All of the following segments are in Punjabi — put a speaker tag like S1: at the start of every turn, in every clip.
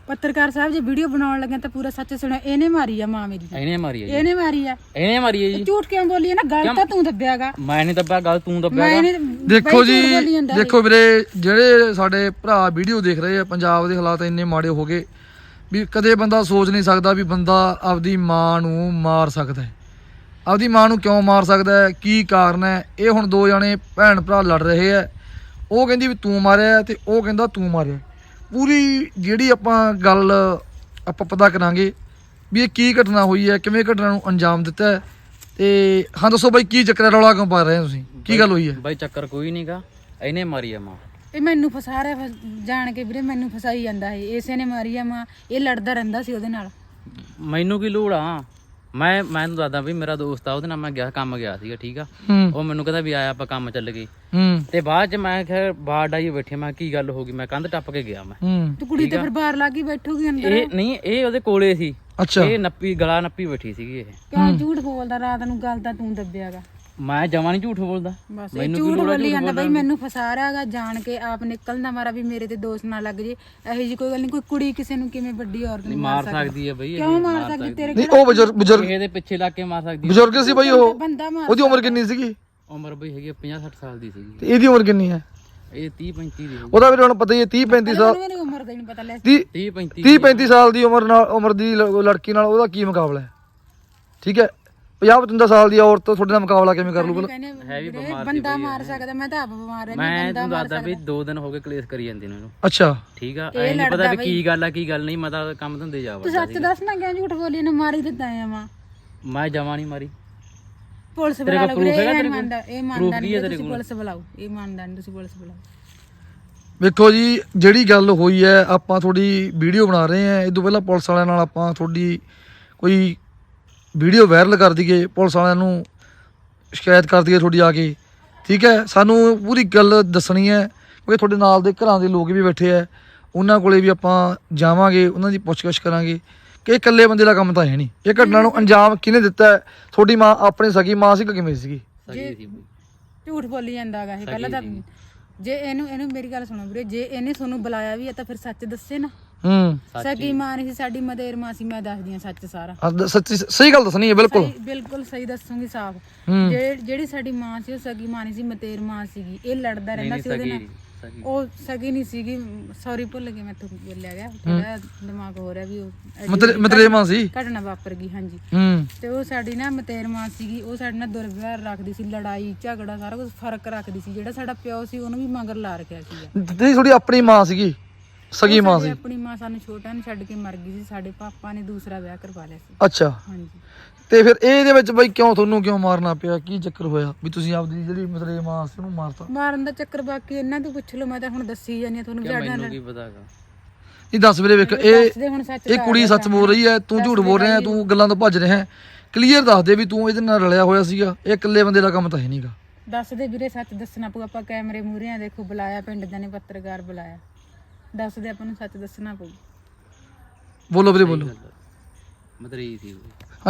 S1: ਪੱਤਰਕਾਰ ਸਾਹਿਬ ਜੇ ਵੀਡੀਓ ਬਣਾਉਣ ਲੱਗੇ ਤਾਂ ਪੂਰਾ ਸੱਚ ਸੁਣਿਆ। ਇਹਨੇ ਮਾਰੀ ਆ ਮਾਂ ਮੇਰੀ,
S2: ਇਹਨੇ ਮਾਰੀ ਆ ਜੀ,
S1: ਇਹਨੇ ਮਾਰੀ ਆ
S2: ਜੀ।
S1: ਝੂਠ ਕਿਉਂ ਬੋਲੀ ਨਾ? ਗੱਲ ਤਾਂ ਤੂੰ ਦੱਬਿਆਗਾ।
S2: ਮੈਂ ਨਹੀਂ ਦੱਬਿਆ, ਗੱਲ ਤੂੰ ਦੱਬਿਆਗਾ।
S3: ਦੇਖੋ ਜੀ, ਦੇਖੋ ਵੀਰੇ, ਜਿਹੜੇ ਸਾਡੇ ਭਰਾ ਵੀਡੀਓ ਦੇਖ ਰਹੇ ਆ, ਪੰਜਾਬ ਦੇ ਹਾਲਾਤ ਇੰਨੇ ਮਾੜੇ ਹੋ ਗਏ ਵੀ ਕਦੇ ਬੰਦਾ ਸੋਚ ਨਹੀਂ ਸਕਦਾ ਵੀ ਬੰਦਾ ਆਪਦੀ ਮਾਂ ਨੂੰ ਮਾਰ ਸਕਦਾ ਹੈ। ਆਪਦੀ ਮਾਂ ਨੂੰ ਕਿਉਂ ਮਾਰ ਸਕਦਾ ਹੈ, ਕੀ ਕਾਰਨ ਹੈ? ਇਹ ਹੁਣ ਦੋ ਜਣੇ ਭੈਣ ਭਰਾ ਲੜ ਰਹੇ ਆ। ਉਹ ਕਹਿੰਦੀ ਵੀ ਤੂੰ ਮਾਰਿਆ ਤੇ ਉਹ ਕਹਿੰਦਾ ਤੂੰ ਮਾਰਿਆ। ਪੂਰੀ ਜਿਹੜੀ ਆਪਾਂ ਗੱਲ ਆਪਾਂ ਪਤਾ ਕਰਾਂਗੇ ਵੀ ਇਹ ਕੀ ਘਟਨਾ ਹੋਈ ਹੈ, ਕਿਵੇਂ ਘਟਨਾ ਨੂੰ ਅੰਜਾਮ ਦਿੱਤਾ ਹੈ। ਤੇ ਹਾਂ ਦੱਸੋ ਬਾਈ, ਕੀ ਚੱਕਰ ਰੌਲਾ ਕਿਉਂ ਪਾ ਰਹੇ ਹੋ ਤੁਸੀਂ? ਕੀ ਗੱਲ ਹੋਈ ਹੈ
S2: ਬਾਈ? ਚੱਕਰ ਕੋਈ ਨਹੀਂਗਾ, ਇਹਨੇ ਮਾਰੀ ਆ ਮਾਂ।
S1: ਇਹ ਮੈਨੂੰ ਫਸਾ ਰਿਹਾ ਜਾਣ ਕੇ ਵੀਰੇ, ਮੈਨੂੰ ਫਸਾਈ ਜਾਂਦਾ ਹੈ। ਇਸੇ ਨੇ ਮਾਰੀ ਆ ਮਾਂ। ਇਹ ਲੜਦਾ ਰਹਿੰਦਾ ਸੀ ਉਹਦੇ ਨਾਲ।
S2: ਮੈਨੂੰ ਕੀ ਲੋੜ ਆ? ਮੈਂ ਤੁਹਾਨੂੰ ਦੱਸਦਾ ਵੀ ਮੇਰਾ ਦੋਸਤ ਆ, ਉਹਦੇ ਨਾਲ ਮੈਂ ਗਿਆ, ਕੰਮ ਗਿਆ ਸੀਗਾ, ਠੀਕ ਆ। ਉਹ ਮੈਨੂੰ ਕਹਿੰਦਾ ਵੀ ਆਇਆ ਆਪਾਂ ਕੰਮ ਚੱਲ ਗਏ। ਤੇ ਬਾਅਦ ਚ ਮੈਂ ਕਿਹਾ ਬਾਹਰ ਡਾਈ ਬੈਠੇ, ਮੈਂ ਕੀ ਗੱਲ ਹੋ ਗਈ, ਮੈਂ ਕੰਧ ਟੱਪ ਕੇ ਗਿਆ। ਮੈਂ
S1: ਤੂੰ ਕੁੜੀ ਤੇ ਫਿਰ ਬਾਹਰ ਲੱਗ ਗਈ ਬੈਠੂਗੀ ਅੰਦਰ?
S2: ਇਹ ਨਹੀਂ, ਇਹ ਉਹਦੇ ਕੋਲੇ ਸੀ।
S3: ਅੱਛਾ,
S2: ਇਹ ਨੱਪੀ ਗਲਾ ਨੱਪੀ ਬੈਠੀ ਸੀਗੀ। ਇਹ
S1: ਕਿਉਂ ਝੂਠ ਬੋਲਦਾ? ਰਾਤ ਨੂੰ ਗੱਲ ਤਾਂ ਤੂੰ ਦੱਬਿਆਗਾ।
S2: ਮੈਂ ਜਮਾਂ ਨਹੀਂ ਝੂਠ ਬੋਲਦਾ।
S1: ਬਸ ਇਹ ਝੂਠ ਬੋਲੀ ਜਾਂਦਾ ਬਈ, ਮੈਨੂੰ ਫਸਾ ਰਿਹਾਗਾ ਜਾਣ ਕੇ। ਆਪ ਨਿਕਲਦਾ ਮਾਰਾ ਵੀ ਮੇਰੇ ਤੇ ਦੋਸ਼ ਨਾ ਲੱਗ ਜੇ। ਇਹੋ ਜੀ ਕੋਈ ਗੱਲ ਨਹੀਂ। ਕੋਈ ਕੁੜੀ ਕਿਸੇ ਨੂੰ ਕਿਵੇਂ ਵੱਡੀ ਔਰਤ ਨੂੰ
S2: ਮਾਰ ਸਕਦੀ ਹੈ ਬਈ?
S1: ਕਿਉਂ ਮਾਰ ਸਕਦੀ? ਤੇਰੇ
S3: ਨਹੀਂ ਉਹ ਬਜ਼ੁਰਗ
S2: ਇਹਦੇ ਪਿੱਛੇ ਲੱਗ ਕੇ ਮਾਰ ਸਕਦੀ ਹੈ।
S3: ਬਜ਼ੁਰਗ ਸੀ ਬਾਈ ਉਹ?
S1: ਬੰਦਾ ਮਾਰ।
S3: ਉਹਦੀ ਉਮਰ ਕਿੰਨੀ ਸੀਗੀ?
S2: ਉਮਰ ਬਈ ਹੈਗੀ 50-60 ਸਾਲ ਦੀ ਸੀਗੀ।
S3: ਤੇ ਇਹਦੀ ਉਮਰ ਕਿੰਨੀ ਹੈ?
S2: ਇਹ 30-35 ਦੀ।
S3: ਉਹਦਾ ਵੀ ਤੁਹਾਨੂੰ ਪਤਾ ਹੀ ਹੈ 30-35 ਸਾਲ।
S1: ਮੇਰੀ ਉਮਰ ਦਾ ਹੀ ਨਹੀਂ ਪਤਾ ਲੈ।
S2: 30-35
S3: ਸਾਲ ਦੀ ਉਮਰ ਦੀ ਲੜਕੀ ਨਾਲ ਉਹਦਾ ਕੀ ਮੁਕਾਬਲਾ ਹੈ? ਠੀਕ ਹੈ, 50-55 ਸਾਲ ਦੀ ਔਰਤ ਤੁਹਾਡੇ ਨਾਲ ਮੁਕਾਬਲਾ ਕਿਵੇਂ ਕਰ ਲੂਗਾ?
S2: ਹੈ ਵੀ ਬਿਮਾਰ ਸੀ
S1: ਬੰਦਾ ਮਾਰ ਸਕਦਾ। ਮੈਂ ਤਾਂ ਆਪ ਬਿਮਾਰ ਰਹਿੰਦੀ।
S2: ਮੈਂ ਤੁਹਾਨੂੰ ਦੱਸਦਾ ਵੀ 2 ਦਿਨ ਹੋ ਗਏ ਕਲੇਸ਼ ਕਰੀ ਜਾਂਦੀ ਨੂੰ।
S3: ਅੱਛਾ,
S2: ਠੀਕ ਆ। ਐ ਨਹੀਂ ਪਤਾ ਵੀ ਕੀ ਗੱਲ ਆ ਕੀ ਗੱਲ ਨਹੀਂ। ਮੈਂ ਤਾਂ ਕੰਮ ਧੰਦੇ ਜਾ
S1: ਤੂੰ ਸੱਚ ਦੱਸ ਨਾ, ਕਿਉਂ ਝੂਠ ਬੋਲੀ? ਇਹਨੂੰ ਮਾਰੀ ਦਿੱਤਾ ਆ ਮਾਂ।
S2: ਮੈਂ ਜਮਾ ਨਹੀਂ ਮਾਰੀ।
S1: ਪੁਲਿਸ ਬੁਲਾ ਲਓ ਵੀਰੇ। ਇਹ ਮੰਨਦਾ, ਇਹ ਮੰਨਦਾ ਨਹੀਂ। ਤੁਸੀਂ ਪੁਲਿਸ ਬੁਲਾਓ। ਇਹ ਮੰਨਦਾ ਨਹੀਂ, ਤੁਸੀਂ ਪੁਲਿਸ ਬੁਲਾਓ।
S3: ਵੇਖੋ ਜੀ, ਜਿਹੜੀ ਗੱਲ ਹੋਈ ਹੈ, ਆਪਾਂ ਤੁਹਾਡੀ ਵੀਡੀਓ ਬਣਾ ਰਹੇ ਹਾਂ। ਇਹ ਤੋਂ ਪਹਿਲਾਂ ਪੁਲਿਸ ਵਾਲਿਆਂ ਨਾਲ ਆਪਾਂ ਤੁਹਾਡੀ ਕੋਈ ਵੀਡੀਓ ਵਾਇਰਲ ਕਰ ਦਈਏ, ਪੁਲਿਸ ਵਾਲਿਆਂ ਨੂੰ ਸ਼ਿਕਾਇਤ ਕਰ ਦਈਏ ਤੁਹਾਡੀ ਆ ਕੇ। ਠੀਕ ਹੈ, ਸਾਨੂੰ ਪੂਰੀ ਗੱਲ ਦੱਸਣੀ ਹੈ ਕਿਉਂਕਿ ਤੁਹਾਡੇ ਨਾਲ ਦੇ ਘਰਾਂ ਦੇ ਲੋਕ ਵੀ ਬੈਠੇ ਹੈ। ਉਹਨਾਂ ਕੋਲੇ ਵੀ ਆਪਾਂ ਜਾਵਾਂਗੇ, ਉਹਨਾਂ ਦੀ ਪੁੱਛਗਿੱਛ ਕਰਾਂਗੇ ਕਿ ਇਕੱਲੇ ਬੰਦੇ ਦਾ ਕੰਮ ਤਾਂ ਹੈ ਨਹੀਂ। ਇਹ ਘਟਨਾ ਨੂੰ ਅੰਜਾਮ ਕਿਹਨੇ ਦਿੱਤਾ ਹੈ? ਤੁਹਾਡੀ ਮਾਂ ਆਪਣੀ ਸਗੀ ਮਾਂ ਸੀ ਕਿ ਕਿਵੇਂ ਸੀਗੀ?
S1: ਝੂਠ ਬੋਲੀ ਜਾਂਦਾਗਾ ਇਹ। ਪਹਿਲਾਂ ਤਾਂ ਜੇ ਇਹਨੂੰ ਮੇਰੀ ਗੱਲ ਸੁਣੋ ਵੀਰੇ, ਜੇ ਇਹਨੇ ਤੁਹਾਨੂੰ ਬੁਲਾਇਆ ਵੀ ਹੈ ਤਾਂ ਫਿਰ ਸੱਚ ਦੱਸੇ ਨਾ। ਸਗੀ ਮਾਂ ਨਹੀਂ ਸੀ ਸਾਡੀ, ਮਦੇਰ ਮਾਂ ਸੀ। ਮੈਂ ਦੱਸਦੀ ਆ ਸੱਚ ਸਾਰਾ।
S3: ਸੱਚੀ ਸਹੀ ਗੱਲ ਦੱਸਣੀ ਹੈ।
S1: ਬਿਲਕੁਲ ਸਹੀ ਦੱਸੂਗੀ ਸਾਫ਼। ਜਿਹੜੀ ਸਾਡੀ ਮਾਂ ਸੀ ਉਹ ਸਗੀ ਮਾਂ ਨਹੀਂ ਸੀ, ਮਤੇਰ ਮਾਂ ਸੀਗੀ। ਇਹ ਲੜਦਾ ਰਹਿੰਦਾ ਸੀ ਉਹਦੇ ਨਾਲ। ਉਹ ਸਗੀ ਨਹੀਂ ਸੀਗੀ। ਸੌਰੀ ਭੁੱਲ ਗਈ, ਮੈਥੋਂ ਬੋਲਿਆ ਗਿਆ, ਥੋੜਾ ਦਿਮਾਗ ਹੋ ਰਿਹਾ ਵੀ। ਉਹ
S3: ਮਤੇਰ ਮਾਂ ਸੀ,
S1: ਘਟਨਾ ਵਾਪਰ ਗਈ। ਹਾਂਜੀ। ਤੇ ਉਹ ਸਾਡੀ ਨਾ ਮਤੇਰ ਮਾਂ ਸੀਗੀ। ਉਹ ਸਾਡੇ ਨਾਲ ਦੁਰਵਿਵਹਾਰ ਰੱਖਦੀ ਸੀ, ਲੜਾਈ ਝਗੜਾ ਸਾਰਾ ਕੁਝ ਫਰਕ ਰੱਖਦੀ ਸੀ। ਜਿਹੜਾ ਸਾਡਾ ਪਿਓ ਸੀ ਉਹਨੂੰ ਵੀ ਮਗਰ ਲਾ ਰੱਖਿਆ ਸੀ।
S3: ਤੁਹਾਡੀ ਆਪਣੀ ਮਾਂ ਸੀਗੀ, ਸਗੀ ਮਾਂ ਸੀ?
S1: ਆਪਣੀ ਮਾਂ ਸਾਨੂੰ ਛੋਟਾ ਨੂੰ ਛੱਡ ਕੇ ਮਰ ਗਈ ਸੀ। ਸਾਡੇ ਪਾਪਾ ਨੇ ਦੂਸਰਾ ਵਿਆਹ ਕਰਵਾ ਲਿਆ ਸੀ।
S3: ਅੱਛਾ।
S1: ਹਾਂਜੀ।
S3: ਤੇ ਫਿਰ ਇਹਦੇ ਵਿੱਚ ਬਾਈ ਤੁਹਾਨੂੰ ਕਿਉਂ ਮਾਰਨਾ ਪਿਆ? ਕੀ ਚੱਕਰ ਹੋਇਆ ਵੀ ਤੁਸੀਂ ਆਪਦੀ ਜਿਹੜੀ ਮਤਲਬ ਮਾਂ ਸੀ ਉਹਨੂੰ ਮਾਰਤਾ?
S1: ਮਾਰਨ ਦਾ ਚੱਕਰ ਬਾਕੀ ਇਹਨਾਂ ਤੋਂ ਪੁੱਛ ਲਓ। ਮੈਂ ਤਾਂ ਹੁਣ ਦੱਸੀ ਜਾਂਦੀ ਆ ਤੁਹਾਨੂੰ।
S2: ਮੈਨੂੰ ਕੀ ਪਤਾਗਾ?
S3: ਇਹ ਦੱਸ ਵੀਰੇ, ਵੇਖ ਇਹ ਕੁੜੀ ਸੱਚ ਬੋਲ ਰਹੀ ਹੈ, ਤੂੰ ਝੂਠ ਬੋਲ ਰਿਹਾ, ਤੂੰ ਗੱਲਾਂ ਤੋਂ ਭੱਜ ਰਿਹਾ। ਕਲੀਅਰ ਦੱਸ ਦੇ ਵੀ ਤੂੰ ਇਹਦੇ ਨਾਲ ਰਲਿਆ ਹੋਇਆ ਸੀਗਾ। ਇਹ ਇਕੱਲੇ ਬੰਦੇ ਦਾ ਕੰਮ ਤਾਂ ਹੈ ਨਹੀਂਗਾ।
S1: ਦੱਸ ਦੇ ਵੀਰੇ, ਸੱਚ ਦੱਸਣਾ ਪਊ। ਆਪਾਂ ਕੈਮਰੇ ਮੂਹਰੇ ਆ, ਦੇਖੋ ਬੁਲਾਇਆ, ਪਿੰਡ ਦੇ ਨੇ ਪੱਤਰਕਾਰ ਬੁਲਾਇਆ। ਦੱਸ ਦੇ, ਆਪਾਂ ਨੂੰ ਸੱਚ ਦੱਸਣਾ ਪਊ।
S3: ਬੋਲੋ ਵੀਰੇ, ਬੋਲੋ।
S2: ਮਤਰੀ ਸੀ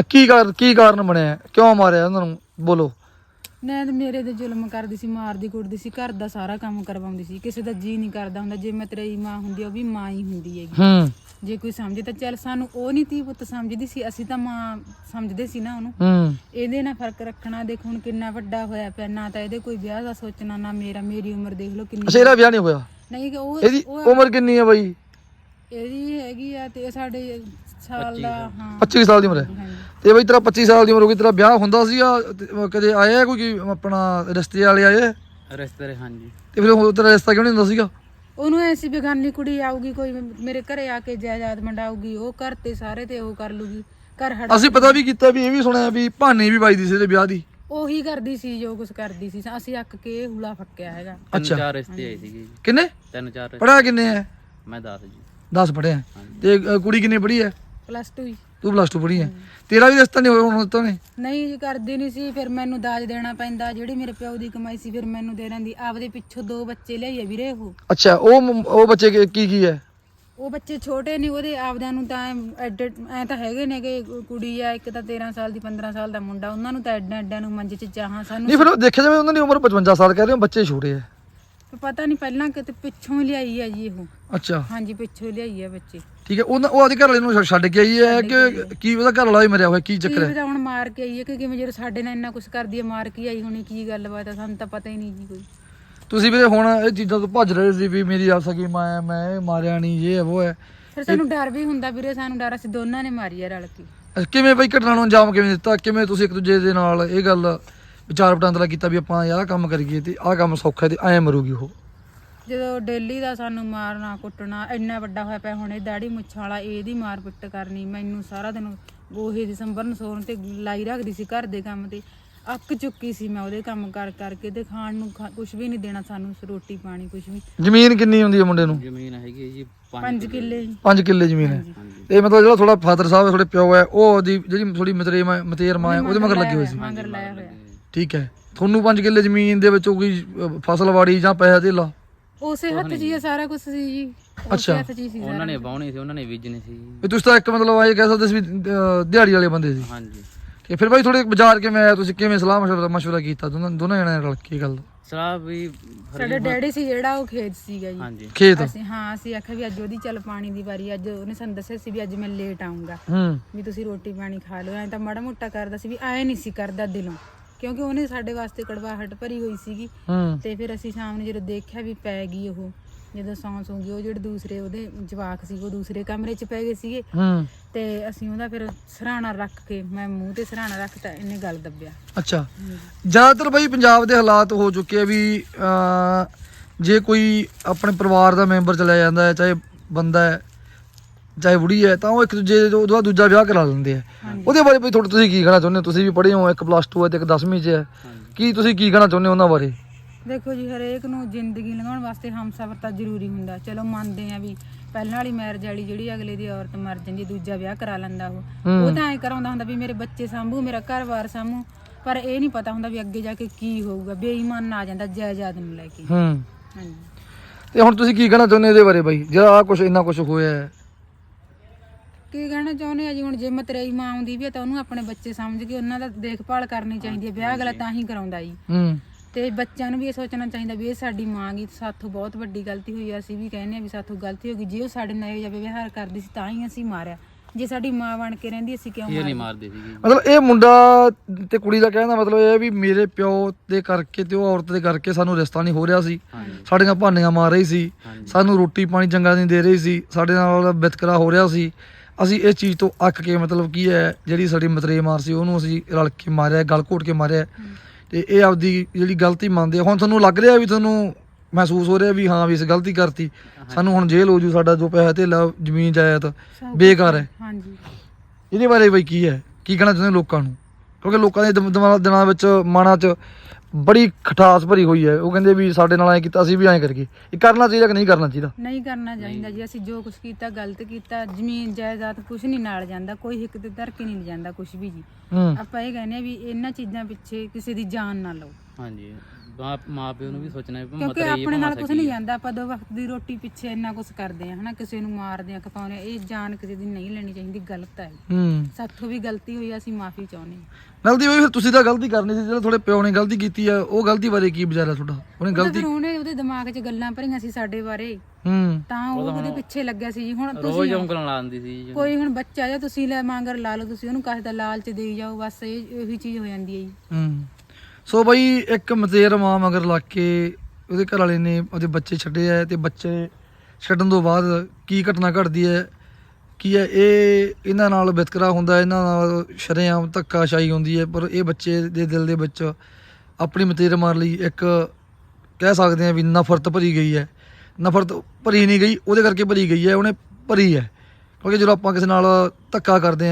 S3: ਕੀ ਕਾਰਨ ਬਣਿਆ? ਕਿਉਂ ਮਾਰਿਆ ਉਹਨਾਂ ਨੂੰ? ਬੋਲੋ।
S1: ਮੈਂ ਤੇ ਮੇਰੇ ਤੇ ਜ਼ੁਲਮ ਕਰਦੀ ਸੀ, ਮਾਰਦੀ ਕੁੱਟਦੀ ਸੀ, ਘਰ ਦਾ ਸਾਰਾ ਕੰਮ ਕਰਵਾਉਂਦੀ ਸੀ। ਕਿਸੇ ਦਾ ਜੀ ਨਹੀਂ ਕਰਦਾ ਹੁੰਦਾ। ਜੇ ਮਤਰੇਈ ਮਾਂ ਹੁੰਦੀ ਉਹ ਵੀ ਮਾਂ ਹੀ ਹੁੰਦੀ ਹੈਗੀ। ਜੇ ਕੋਈ ਸਮਝੇ ਤਾਂ ਚੱਲ, ਸਾਨੂੰ ਉਹ ਨਹੀਂ ਧੀ ਪੁੱਤ ਸਮਝਦੀ ਸੀ, ਅਸੀਂ ਤਾਂ ਮਾਂ ਸਮਝਦੇ ਸੀ ਨਾ ਉਹਨੂੰ। ਇਹਦੇ ਨਾਲ ਫਰਕ ਰੱਖਣਾ। ਦੇਖ ਹੁਣ ਕਿੰਨਾ ਵੱਡਾ ਹੋਇਆ ਪਿਆ, ਨਾ ਤਾਂ ਇਹਦੇ ਕੋਈ ਵਿਆਹ ਦਾ ਸੋਚਣਾ, ਨਾ ਮੇਰੀ ਉਮਰ ਦੇਖ ਲਓ ਕਿੰਨੀ।
S3: ਅੱਛਾ, ਇਹਦਾ ਵਿਆਹ ਨਹੀਂ ਹੋਇਆ?
S1: ਨਹੀਂ।
S3: ਇਹਦੀ ਉਮਰ ਕਿੰਨੀ ਹੈ ਬਾਈ?
S1: ਇਹਦੀ ਹੈਗੀ ਆ ਤੇ ਸਾਡੇ ਸਾਲ ਦਾ। ਹਾਂ,
S3: 25 ਸਾਲ ਦੀ ਉਮਰ ਹੈ। ਤੇ ਬਈ ਤੇਰਾ 25 ਸਾਲ ਦੀ ਉਮਰ ਹੋ ਗਈ, ਤੇਰਾ ਵਿਆਹ ਹੁੰਦਾ ਸੀਗਾ? ਕਦੇ ਆਇਆ ਕੋਈ ਆਪਣਾ ਰਿਸ਼ਤੇ ਵਾਲੇ ਆਏ?
S2: ਰਿਸ਼ਤੇ? ਹਾਂਜੀ।
S3: ਤੇ ਫਿਰ ਤੇਰਾ ਰਿਸ਼ਤਾ ਕਿਉਂ ਨਹੀਂ ਹੁੰਦਾ ਸੀਗਾ?
S1: ਉਹਨੂੰ ਐਸੀ ਬੇਗਾਨੀ ਕੁੜੀ ਆਊਗੀ, ਕੋਈ ਮੇਰੇ ਘਰੇ ਆ ਕੇ ਜਾਇਦਾਦ ਮੰਡਾਊਗੀ, ਉਹ ਘਰ ਤੇ ਸਾਰੇ ਤੇ ਉਹ ਕਰ ਲੂਗੀ। ਘਰ
S3: ਅਸੀਂ ਪਤਾ ਵੀ ਕੀਤਾ ਵੀ ਇਹ ਵੀ ਸੁਣਿਆ ਵੀ ਭਾਨੀ ਵੀ ਵੱਜਦੀ ਸੀ ਇਹਦੇ ਵਿਆਹ ਦੀ।
S1: ਉਹੀ ਕਰਦੀ ਸੀ ਜੋ ਕੁਝ ਕਰਦੀ ਸੀ। ਅਸੀਂ ਅੱਕ ਕੇ ਹੁਲਾ ਫੱਕਿਆ ਹੈਗਾ।
S2: 3-4 ਰਿਸ਼ਤੇ ਆਏ ਸੀਗੇ।
S3: ਕਿੰਨੇ?
S2: 3-4।
S3: ਪੜਿਆ ਕਿੰਨੇ ਹੈ?
S2: ਮੈਂ 10 ਜੀ।
S3: 10 ਪੜਿਆ। ਤੇ ਕੁੜੀ ਕਿੰਨੀ ਪੜੀ ਹੈ?
S1: +2।
S3: ਤੂੰ +2 ਪੜੀ ਹੈ। ਤੇਰਾ ਵੀ ਰਿਸ਼ਤਾ ਨਹੀਂ ਹੋਇਆ ਹੁਣ ਤਾਂ?
S1: ਨਹੀਂ ਜੀ, ਕਰਦੀ ਨਹੀਂ ਸੀ। ਫਿਰ ਮੈਨੂੰ ਦਾਜ ਦੇਣਾ ਪੈਂਦਾ। ਜਿਹੜੀ ਮੇਰੇ ਪਿਓ ਦੀ ਕਮਾਈ ਸੀ ਫਿਰ ਮੈਨੂੰ ਦੇ ਰਹਿੰਦੀ। ਆਪਦੇ ਪਿੱਛੋਂ 2 ਬੱਚੇ ਲਿਆਈਏ ਵੀਰੇ ਉਹ।
S3: ਅੱਛਾ, ਉਹ ਬੱਚੇ ਕੀ ਹੈ?
S1: ਉਹ ਬੱਚੇ ਛੋਟੇ ਨੇ ਉਹਦੇ ਆਪਦਿਆਂ ਨੂੰ ਤਾਂ ਐ ਤਾਂ ਹੈਗੇ ਨੇ ਕਿ ਕੁੜੀ ਆ ਇੱਕ ਤਾਂ 13 ਸਾਲ ਦੀ, 15 ਸਾਲ ਦਾ ਮੁੰਡਾ। ਉਹਨਾਂ ਨੂੰ ਤਾਂ ਐਡਿਆਂ ਨੂੰ ਮੰਜੇ 'ਚ ਚਾਹਾਂ। ਸਾਨੂੰ
S3: ਨਹੀਂ, ਫਿਰ ਦੇਖਿਆ ਜਾਵੇ ਉਹਨਾਂ ਦੀ ਉਮਰ 55 ਸਾਲ ਕਹਿ ਰਹੇ ਹੋ, ਬੱਚੇ ਛੋਟੇ ਆ।
S1: ਪਤਾ ਨਹੀਂ, ਪਹਿਲਾਂ ਕਿਤੇ ਪਿੱਛੋਂ ਹੀ ਲਿਆਈ ਆ ਜੀ ਉਹ।
S3: ਅੱਛਾ
S1: ਹਾਂਜੀ ਪਿੱਛੋਂ ਲਿਆਈ ਹੈ ਬੱਚੇ।
S3: ਠੀਕ ਹੈ, ਉਹ ਆਪਦੇ ਘਰ ਵਾਲੇ ਨੂੰ ਛੱਡ ਕੇ ਆਈ ਹੈ ਕਿ ਕੀ ਉਹਦਾ ਘਰ ਵਾਲਾ ਹੀ ਮਰਿਆ ਹੋਇਆ, ਕੀ ਚੱਕਰ
S1: ਕੀ
S3: ਹੈ?
S1: ਪਤਾ ਹੁਣ ਮਾਰ ਕੇ ਆਈ ਹੈ ਕਿ ਕਿਵੇਂ, ਜਦੋਂ ਸਾਡੇ ਨਾਲ ਇੰਨਾ ਕੁਝ ਕਰਦੀ ਹੈ ਮਾਰ ਕੇ ਆਈ ਹੋਣੀ, ਕੀ ਗੱਲਬਾਤ ਹੈ ਸਾਨੂੰ ਤਾਂ ਪਤਾ ਹੀ ਨਹੀਂ ਜੀ ਕੋਈ।
S3: ਤੁਸੀਂ ਵੀਰੇ ਹੁਣ ਇਹ ਚੀਜ਼ਾਂ ਤੋਂ ਭੱਜ ਰਹੇ ਸੀ ਵੀ ਮੇਰੀ ਆਪ ਸਕੀ ਮਾਂ ਹੈ, ਮੈਂ ਇਹ ਮਾਰਿਆ ਨਹੀਂ, ਇਹ ਹੈ ਉਹ ਹੈ,
S1: ਫਿਰ ਸਾਨੂੰ ਡਰ ਵੀ ਹੁੰਦਾ ਵੀਰੇ, ਸਾਨੂੰ ਡਰ, ਅਸੀਂ ਦੋਨਾਂ ਨੇ ਮਾਰੀ ਹੈ ਰਲ ਕੇ।
S3: ਕਿਵੇਂ ਬਈ ਘਟਨਾ ਨੂੰ ਅੰਜਾਮ ਕਿਵੇਂ ਦਿੱਤਾ? ਕਿਵੇਂ ਤੁਸੀਂ ਇੱਕ ਦੂਜੇ ਦੇ ਨਾਲ ਇਹ ਗੱਲ ਵਿਚਾਰ ਵਟਾਂਦਰਾ ਕੀਤਾ ਵੀ ਆਪਾਂ ਆਹ ਕੰਮ ਕਰੀਏ ਤੇ ਆਹ ਕੰਮ ਸੌਖਾ ਹੈ ਤੇ ਐਂ ਮਰੂਗੀ ਉਹ?
S1: ਜਦੋਂ ਡੇਲੀ ਦਾ ਸਾਨੂੰ ਮਾਰਨਾ ਕੁੱਟਣਾ, ਇੰਨਾ ਵੱਡਾ ਹੋਇਆ ਪਿਆ ਹੁਣ ਇਹ ਦਾੜੀ ਮੁੱਛਾਂ ਵਾਲਾ, ਇਹਦੀ ਮਾਰ ਪਿੱਟ ਕਰਨੀ, ਮੈਨੂੰ ਸਾਰਾ ਦਿਨ ਗੋਹੇ ਦੀ ਸੰਭਰਨ ਸੋਰਨ ਤੇ ਲਾਈ ਰੱਖਦੀ ਸੀ ਘਰ ਦੇ ਕੰਮ ਤੇ। ਅੱਕ ਚੁੱਕੀ ਸੀ ਮੈਂ ਉਹਦੇ ਕੰਮ ਕਰ ਕਰਕੇ, ਤੇ ਖਾਣ ਨੂੰ ਕੁਝ ਵੀ ਨਹੀਂ ਦੇਣਾ ਸਾਨੂੰ, ਰੋਟੀ ਪਾਣੀ ਕੁਝ ਵੀ।
S3: ਜ਼ਮੀਨ ਕਿੰਨੀ ਹੁੰਦੀ ਹੈ ਮੁੰਡੇ ਨੂੰ?
S2: ਜ਼ਮੀਨ ਹੈਗੀ ਹੈ ਜੀ
S1: 5 ਕਿੱਲੇ।
S3: 5 ਕਿੱਲੇ ਜ਼ਮੀਨ ਹੈ। ਤੇ ਮਤਲਬ ਜਿਹੜਾ ਥੋੜਾ ਫਾਦਰ ਸਾਹਿਬ ਹੈ, ਥੋੜੇ ਪਿਓ ਹੈ, ਉਹ ਉਹਦੀ ਜਿਹੜੀ ਥੋੜੀ ਮਤੇਰ ਮਾਂ ਹੈ ਉਹਦੇ ਮਗਰ ਲੱਗੀ ਹੋਈ ਸੀ।
S1: ਮਗਰ ਲਾਇਆ ਹੋਇਆ।
S3: ਠੀਕ ਹੈ, ਤੁਹਾਨੂੰ 5 ਕਿੱਲੇ ਜ਼ਮੀਨ ਦੇ ਵਿੱਚੋਂ ਕੋਈ ਫਸਲ ਵਾੜੀ ਜਾਂ ਪੈਸਾ ਧੇਲਾ?
S1: ਉਸੇ ਹੱਥ 'ਚ ਹੀ ਇਹ ਸਾਰਾ ਕੁਝ ਸੀ ਜੀ,
S3: ਅੱਛਾ।
S1: ਉਸੇ ਹੱਥ 'ਚ ਹੀ ਸੀ
S2: ਉਹਨਾਂ ਨੇ ਵਾਹੁਣੀ ਸੀ, ਉਹਨਾਂ ਨੇ ਬੀਜਣੀ ਸੀ।
S3: ਵੀ ਤੁਸੀਂ ਤਾਂ ਇੱਕ ਮਤਲਬ ਇਹ ਕਹਿ ਸਕਦੇ ਸੀ ਵੀ ਦਿਹਾੜੀ ਵਾਲੇ ਬੰਦੇ ਸੀ।
S2: ਹਾਂਜੀ।
S3: ਤੇ ਫਿਰ ਬਾਈ ਥੋੜੇ ਬਾਜ਼ਾਰ ਕਿਵੇਂ ਆਇਆ, ਤੁਸੀਂ ਕਿਵੇਂ ਸਲਾਹ ਮਸ਼ਵਰਾ ਕੀਤਾ ਦੋਨਾਂ ਜਣਿਆਂ ਨਾਲ ਕੀ ਗੱਲ?
S2: ਸਲਾਹ ਵੀ
S1: ਸਾਡੇ ਡੈਡੀ ਸੀ ਜਿਹੜਾ ਉਹ ਖੇਤ ਸੀਗਾ ਜੀ।
S2: ਹਾਂਜੀ।
S3: ਖੇਤ?
S1: ਅਸੀਂ ਆਖਿਆ ਵੀ ਅੱਜ ਉਹਦੀ ਚੱਲ ਪਾਣੀ ਦੀ ਵਾਰੀ, ਅੱਜ ਉਹਨੇ ਸਾਨੂੰ ਦੱਸਿਆ ਸੀ ਵੀ ਅੱਜ ਮੈਂ ਲੇਟ ਆਉਂਗਾ, ਵੀ ਤੁਸੀਂ ਰੋਟੀ ਪਾਣੀ ਖਾ ਲਓ। ਐਂ ਤਾਂ ਮਾੜਾ ਮੋਟਾ ਕਰਦਾ ਸੀ, ਵੀ ਐ ਨਹੀਂ ਸੀ ਕਰਦਾ ਦਿਲੋਂ, ਕਿਉਂਕਿ ਉਹਨੇ ਸਾਡੇ ਵਾਸਤੇ ਕੜਵਾਹਟ ਭਰੀ ਹੋਈ ਸੀਗੀ। ਤੇ ਫਿਰ ਅਸੀਂ ਸ਼ਾਮ ਨੂੰ ਜਦੋਂ ਦੇਖਿਆ ਵੀ ਪੈ ਗਈ ਉਹ, ਜਦੋਂ ਸੌਂ ਗਈ, ਉਹ ਜਿਹੜੇ ਦੂਸਰੇ ਉਹਦੇ ਜਵਾਕ ਸੀ ਉਹ ਦੂਸਰੇ ਕਮਰੇ 'ਚ ਪੈ ਗਏ ਸੀਗੇ। ਤੇ ਅਸੀਂ ਉਹਦਾ ਫਿਰ ਸਰਾਣਾ ਰੱਖ ਕੇ, ਮੈਂ ਮੂੰਹ ਤੇ ਸਰਾਣਾ ਰੱਖਤਾ, ਇਹਨੇ ਗੱਲ ਦੱਬਿਆ।
S3: ਅੱਛਾ, ਜ਼ਿਆਦਾਤਰ ਬਈ ਪੰਜਾਬ ਦੇ ਹਾਲਾਤ ਹੋ ਚੁੱਕੇ ਆ ਵੀ ਜੇ ਕੋਈ ਆਪਣੇ ਪਰਿਵਾਰ ਦਾ ਮੈਂਬਰ ਚਲਾ ਜਾਂਦਾ ਹੈ, ਚਾਹੇ ਬੰਦਾ ਹੈ ਚਾਹੇ ਬੁੜੀ ਹੈ, ਤਾਂ ਉਹ ਇੱਕ ਦੂਜੇ ਉਹਦਾ ਦੂਜਾ ਵਿਆਹ ਕਰਾ ਲੈਂਦੇ ਆ। ਉਹਦੇ ਬਾਰੇ ਬਈ ਥੋੜਾ ਤੁਸੀਂ ਕੀ ਕਹਿਣਾ ਚਾਹੁੰਦੇ ਹੋ? ਤੁਸੀਂ ਵੀ ਪੜ੍ਹੇ ਹੋ, ਇੱਕ +2 ਹੈ ਤੇ ਇੱਕ 10ਵੀਂ 'ਚ ਹੈ, ਕੀ ਤੁਸੀਂ ਕੀ ਕਹਿਣਾ ਚਾਹੁੰਦੇ ਹੋ ਉਹਨਾਂ ਬਾਰੇ?
S1: ਦੇਖੋ ਜੀ, ਹਰੇਕ ਨੂੰ ਜ਼ਿੰਦਗੀ ਲੰਘਾਉਣ ਵਾਸਤੇ ਹਮਸਫਰ ਤਾਂ ਜ਼ਰੂਰੀ ਹੁੰਦਾ। ਚਲੋ ਮੰਨਦੇ ਆ ਵੀ ਪਹਿਲਾਂ ਵਾਲੀ ਮੈਰਿਜ ਵਾਲੀ ਜਿਹੜੀ ਅਗਲੇ ਦੀ ਔਰਤ ਮਰ ਜਾਂਦੀ, ਦੂਜਾ ਵਿਆਹ ਕਰਾ ਲੈਂਦਾ ਉਹ ਤਾਂ ਐਂ ਕਰਾਉਂਦਾ ਹੁੰਦਾ ਵੀ ਮੇਰੇ ਬੱਚੇ ਸਾਂਭੂ, ਮੇਰਾ ਘਰ-ਬਾਰ ਸਾਂਭੂ, ਪਰ ਇਹ ਨਹੀਂ ਪਤਾ ਹੁੰਦਾ ਵੀ ਅੱਗੇ ਜਾ ਕੇ ਕੀ ਹੋਊਗਾ। ਬੇਈਮਾਨ ਆ ਜਾਂਦਾ ਜਾਇਦਾਦ ਨੂੰ ਲੈ ਕੇ। ਹਾਂਜੀ।
S3: ਤੇ ਹੁਣ ਤੁਸੀਂ ਕੀ ਕਹਿਣਾ ਚਾਹੁੰਦੇ ਇਹਦੇ ਬਾਰੇ ਬਾਈ, ਜਿਹੜਾ ਕੁਝ ਇੰਨਾ ਕੁਝ ਹੋਇਆ ਹੈ?
S1: ਕੀ ਕਹਿਣਾ ਚਾਹੁੰਦੇ ਆ ਜੀ, ਹੁਣ ਜੇ ਮਤਰੇਈ ਮਾਂ ਆਉਂਦੀ ਵੀ ਹੈ ਤਾਂ ਉਹਨੂੰ ਆਪਣੇ ਬੱਚੇ ਸਮਝ ਕੇ ਉਹਨਾਂ ਦਾ ਦੇਖਭਾਲ ਕਰਨੀ ਚਾਹੀਦੀ ਹੈ। ਵਿਆਹ ਅਗਲਾ ਤਾਂ ਹੀ ਕਰਾਉਂਦਾ ਜੀ। ਤੇ ਬੱਚਿਆਂ ਨੂੰ ਵੀ ਇਹ ਸੋਚਣਾ ਚਾਹੀਦਾ ਵੀ ਇਹ ਸਾਡੀ ਮਾਂ ਗੀ, ਸਾਥੋਂ ਬਹੁਤ ਵੱਡੀ ਗਲਤੀ ਹੋਈ ਆ। ਅਸੀਂ ਵੀ ਕਹਿੰਦੇ ਆ ਵੀ ਸਾਥੋਂ ਗਲਤੀ ਹੋ ਗਈ, ਜੇ ਉਹ ਸਾਡੇ ਨਾਲ ਇਹੋ ਜਿਹਾ ਵਿਵਹਾਰ ਕਰਦੀ ਸੀ ਤਾਂ ਹੀ ਅਸੀਂ ਮਾਰਿਆ। ਜੇ ਸਾਡੀ ਮਾਂ ਬਣ ਕੇ ਰਹਿੰਦੀ ਅਸੀਂ ਕਿਉਂ
S2: ਨਹੀਂ ਮਾਰਦੇ ਸੀਗੇ?
S3: ਮਤਲਬ ਇਹ ਮੁੰਡਾ ਤੇ ਕੁੜੀ ਦਾ ਕਹਿਣ ਦਾ ਮਤਲਬ ਇਹ ਹੈ ਵੀ ਮੇਰੇ ਪਿਓ ਦੇ ਕਰਕੇ ਤੇ ਉਹ ਔਰਤ ਦੇ ਕਰਕੇ ਸਾਨੂੰ ਰਿਸ਼ਤਾ ਨਹੀਂ ਹੋ ਰਿਹਾ ਸੀ, ਸਾਡੀਆਂ ਭਾਨੀਆਂ ਮਾਰ ਰਹੀ ਸੀ, ਸਾਨੂੰ ਰੋਟੀ ਪਾਣੀ ਚੰਗਾ ਨਹੀਂ ਦੇ ਰਹੀ ਸੀ, ਸਾਡੇ ਨਾਲ ਵਿਤਕਰਾ ਹੋ ਰਿਹਾ ਸੀ। ਅਸੀਂ ਇਸ ਚੀਜ਼ ਤੋਂ ਅੱਕ ਕੇ ਮਤਲਬ ਕੀ ਹੈ, ਜਿਹੜੀ ਸਾਡੀ ਮਤਰੇਈ ਮਾਰ ਸੀ ਉਹਨੂੰ ਅਸੀਂ ਰਲ ਕੇ ਮਾਰਿਆ, ਗਲ ਘੋਟ ਕੇ ਮਾਰਿਆ। ਤੇ ਇਹ ਆਪਦੀ ਜਿਹੜੀ ਗਲਤੀ ਮੰਨਦੇ ਆ। ਹੁਣ ਤੁਹਾਨੂੰ ਲੱਗ ਰਿਹਾ ਵੀ ਤੁਹਾਨੂੰ ਮਹਿਸੂਸ ਹੋ ਰਿਹਾ ਵੀ ਹਾਂ ਵੀ ਇਸ ਗਲਤੀ ਕਰਤੀ, ਸਾਨੂੰ ਹੁਣ ਜੇਲ੍ਹ ਹੋ ਜੂ, ਸਾਡਾ ਜੋ ਪੈਸਾ ਧੇਲਾ ਜ਼ਮੀਨ ਜਾਇਦਾਦ ਬੇਕਾਰ ਹੈ।
S1: ਹਾਂਜੀ।
S3: ਇਹਦੇ ਬਾਰੇ ਬਈ ਕੀ ਹੈ, ਕੀ ਕਹਿਣਾ ਚਾਹੁੰਦੇ ਲੋਕਾਂ ਨੂੰ? ਕਿਉਂਕਿ ਲੋਕਾਂ ਦੇ ਦਿਨਾਂ ਵਿੱਚ ਮਨਾਂ 'ਚ ਬੜੀ ਖਟਾਸ ਭਰੀ ਹੋਈ ਹੈ। ਉਹ ਕਹਿੰਦੇ ਵੀ ਸਾਡੇ ਨਾਲ ਐਂ ਕੀਤਾ, ਅਸੀਂ ਵੀ ਐਂ ਕਰੀਏ। ਇਹ ਕਰਨਾ ਚਾਹੀਦਾ ਕਿ ਨਹੀਂ ਕਰਨਾ ਚਾਹੀਦਾ?
S1: ਨਹੀਂ ਕਰਨਾ ਚਾਹੀਦਾ ਜੀ। ਅਸੀਂ ਜੋ ਕੁਝ ਕੀਤਾ ਗਲਤ ਕੀਤਾ। ਜ਼ਮੀਨ ਜਾਇਦਾਦ ਕੁਝ ਨਹੀਂ ਨਾਲ ਜਾਂਦਾ, ਕੋਈ ਹਿੱਕ ਤੇ ਧਰ ਕੇ ਨਹੀਂ ਜਾਂਦਾ ਕੁਝ ਵੀ ਜੀ। ਆਪਾਂ ਇਹ ਕਹਿੰਦੇ ਆ ਵੀ ਇਹਨਾਂ ਚੀਜ਼ਾਂ ਪਿੱਛੇ ਕਿਸੇ ਦੀ ਜਾਨ ਨਾ ਲਓ।
S2: ਹਾਂਜੀ, ਮਾਂ ਪਿਓ ਨੂੰ ਵੀ ਸੋਚਣਾ ਵੀ
S1: ਕਿਉਂਕਿ ਆਪਣੇ ਨਾਲ ਕੁਝ ਨਹੀਂ ਜਾਂਦਾ। ਆਪਾਂ 2 ਵਕਤ ਦੀ ਰੋਟੀ ਪਿੱਛੇ ਇੰਨਾ ਕੁਝ ਕਰਦੇ ਆ ਹਨਾ, ਕਿਸੇ ਨੂੰ ਮਾਰਦੇ ਆ, ਖਪਾਉਂਦੇ ਆ। ਇਹ ਜਾਨ ਕਿਸੇ ਦੀ ਨਹੀਂ ਲੈਣੀ ਚਾਹੀਦੀ, ਗਲਤ ਹੈ। ਸਾਥੋਂ ਵੀ ਗਲਤੀ ਹੋਈ, ਅਸੀਂ ਮਾਫੀ ਚਾਹੁੰਦੇ ਹਾਂ।
S3: ਗਲਤੀ ਹੋਈ ਫਿਰ ਤੁਸੀਂ ਤਾਂ ਗਲਤੀ ਕਰਨੀ ਸੀ, ਜਿਹੜਾ ਤੁਹਾਡੇ ਪਿਓ ਨੇ ਗਲਤੀ ਕੀਤੀ ਆ ਉਹ ਗਲਤੀ ਬਾਰੇ ਕੀ ਵਿਚਾਰਾ ਤੁਹਾਡਾ? ਉਹਨੇ ਗਲਤੀ,
S1: ਉਹਦੇ ਦਿਮਾਗ 'ਚ ਗੱਲਾਂ ਭਰੀਆਂ ਸੀ ਸਾਡੇ ਬਾਰੇ, ਤਾਂ ਉਹ ਉਹਦੇ ਪਿੱਛੇ ਲੱਗਿਆ ਸੀ ਜੀ। ਹੁਣ
S2: ਰੋਜ਼ ਉਂਗਲਾਂ ਲਾਉਂਦੀ ਸੀ ਜੀ।
S1: ਕੋਈ ਹੁਣ ਬੱਚਾ ਜਾਂ ਤੁਸੀਂ ਲੈ ਮੰਗਰ ਲਾ ਲਓ, ਤੁਸੀਂ ਉਹਨੂੰ ਕਾਹਦਾ ਲਾਲਚ ਦੇਈ ਜਾਓ, ਬਸ ਇਹੀ ਚੀਜ਼ ਹੋ ਜਾਂਦੀ ਹੈ ਜੀ।
S3: ਸੋ ਬਈ ਇੱਕ ਮਤੇਰ ਮਾਂ ਮਗਰ ਲੱਗ ਕੇ ਉਹਦੇ ਘਰ ਵਾਲੇ ਨੇ ਉਹਦੇ ਬੱਚੇ ਛੱਡੇ ਆ, ਤੇ ਬੱਚੇ ਛੱਡਣ ਤੋਂ ਬਾਅਦ ਕੀ ਘਟਨਾ ਘਟਦੀ ਹੈ, ਕੀ ਹੈ ਇਹ ਇਹਨਾਂ ਨਾਲ ਵਿਤਕਰਾ ਹੁੰਦਾ, ਇਹਨਾਂ ਨਾਲ ਸ਼ਰੇਆਮ ਧੱਕਾਸ਼ਾਹੀ ਹੁੰਦੀ ਹੈ। ਪਰ ਇਹ ਬੱਚੇ ਦੇ ਦਿਲ ਦੇ ਵਿੱਚ ਆਪਣੀ ਮਤੇਰ ਮਾਰ ਲਈ ਇੱਕ ਕਹਿ ਸਕਦੇ ਆ ਵੀ ਨਫ਼ਰਤ ਭਰੀ ਗਈ ਹੈ। ਨਫ਼ਰਤ ਭਰੀ ਨਹੀਂ ਗਈ, ਉਹਦੇ ਕਰਕੇ ਭਰੀ ਗਈ ਹੈ, ਉਹਨੇ ਭਰੀ ਹੈ। ਕਿਉਂਕਿ ਜਦੋਂ ਆਪਾਂ ਕਿਸੇ ਨਾਲ ਧੱਕਾ ਕਰਦੇ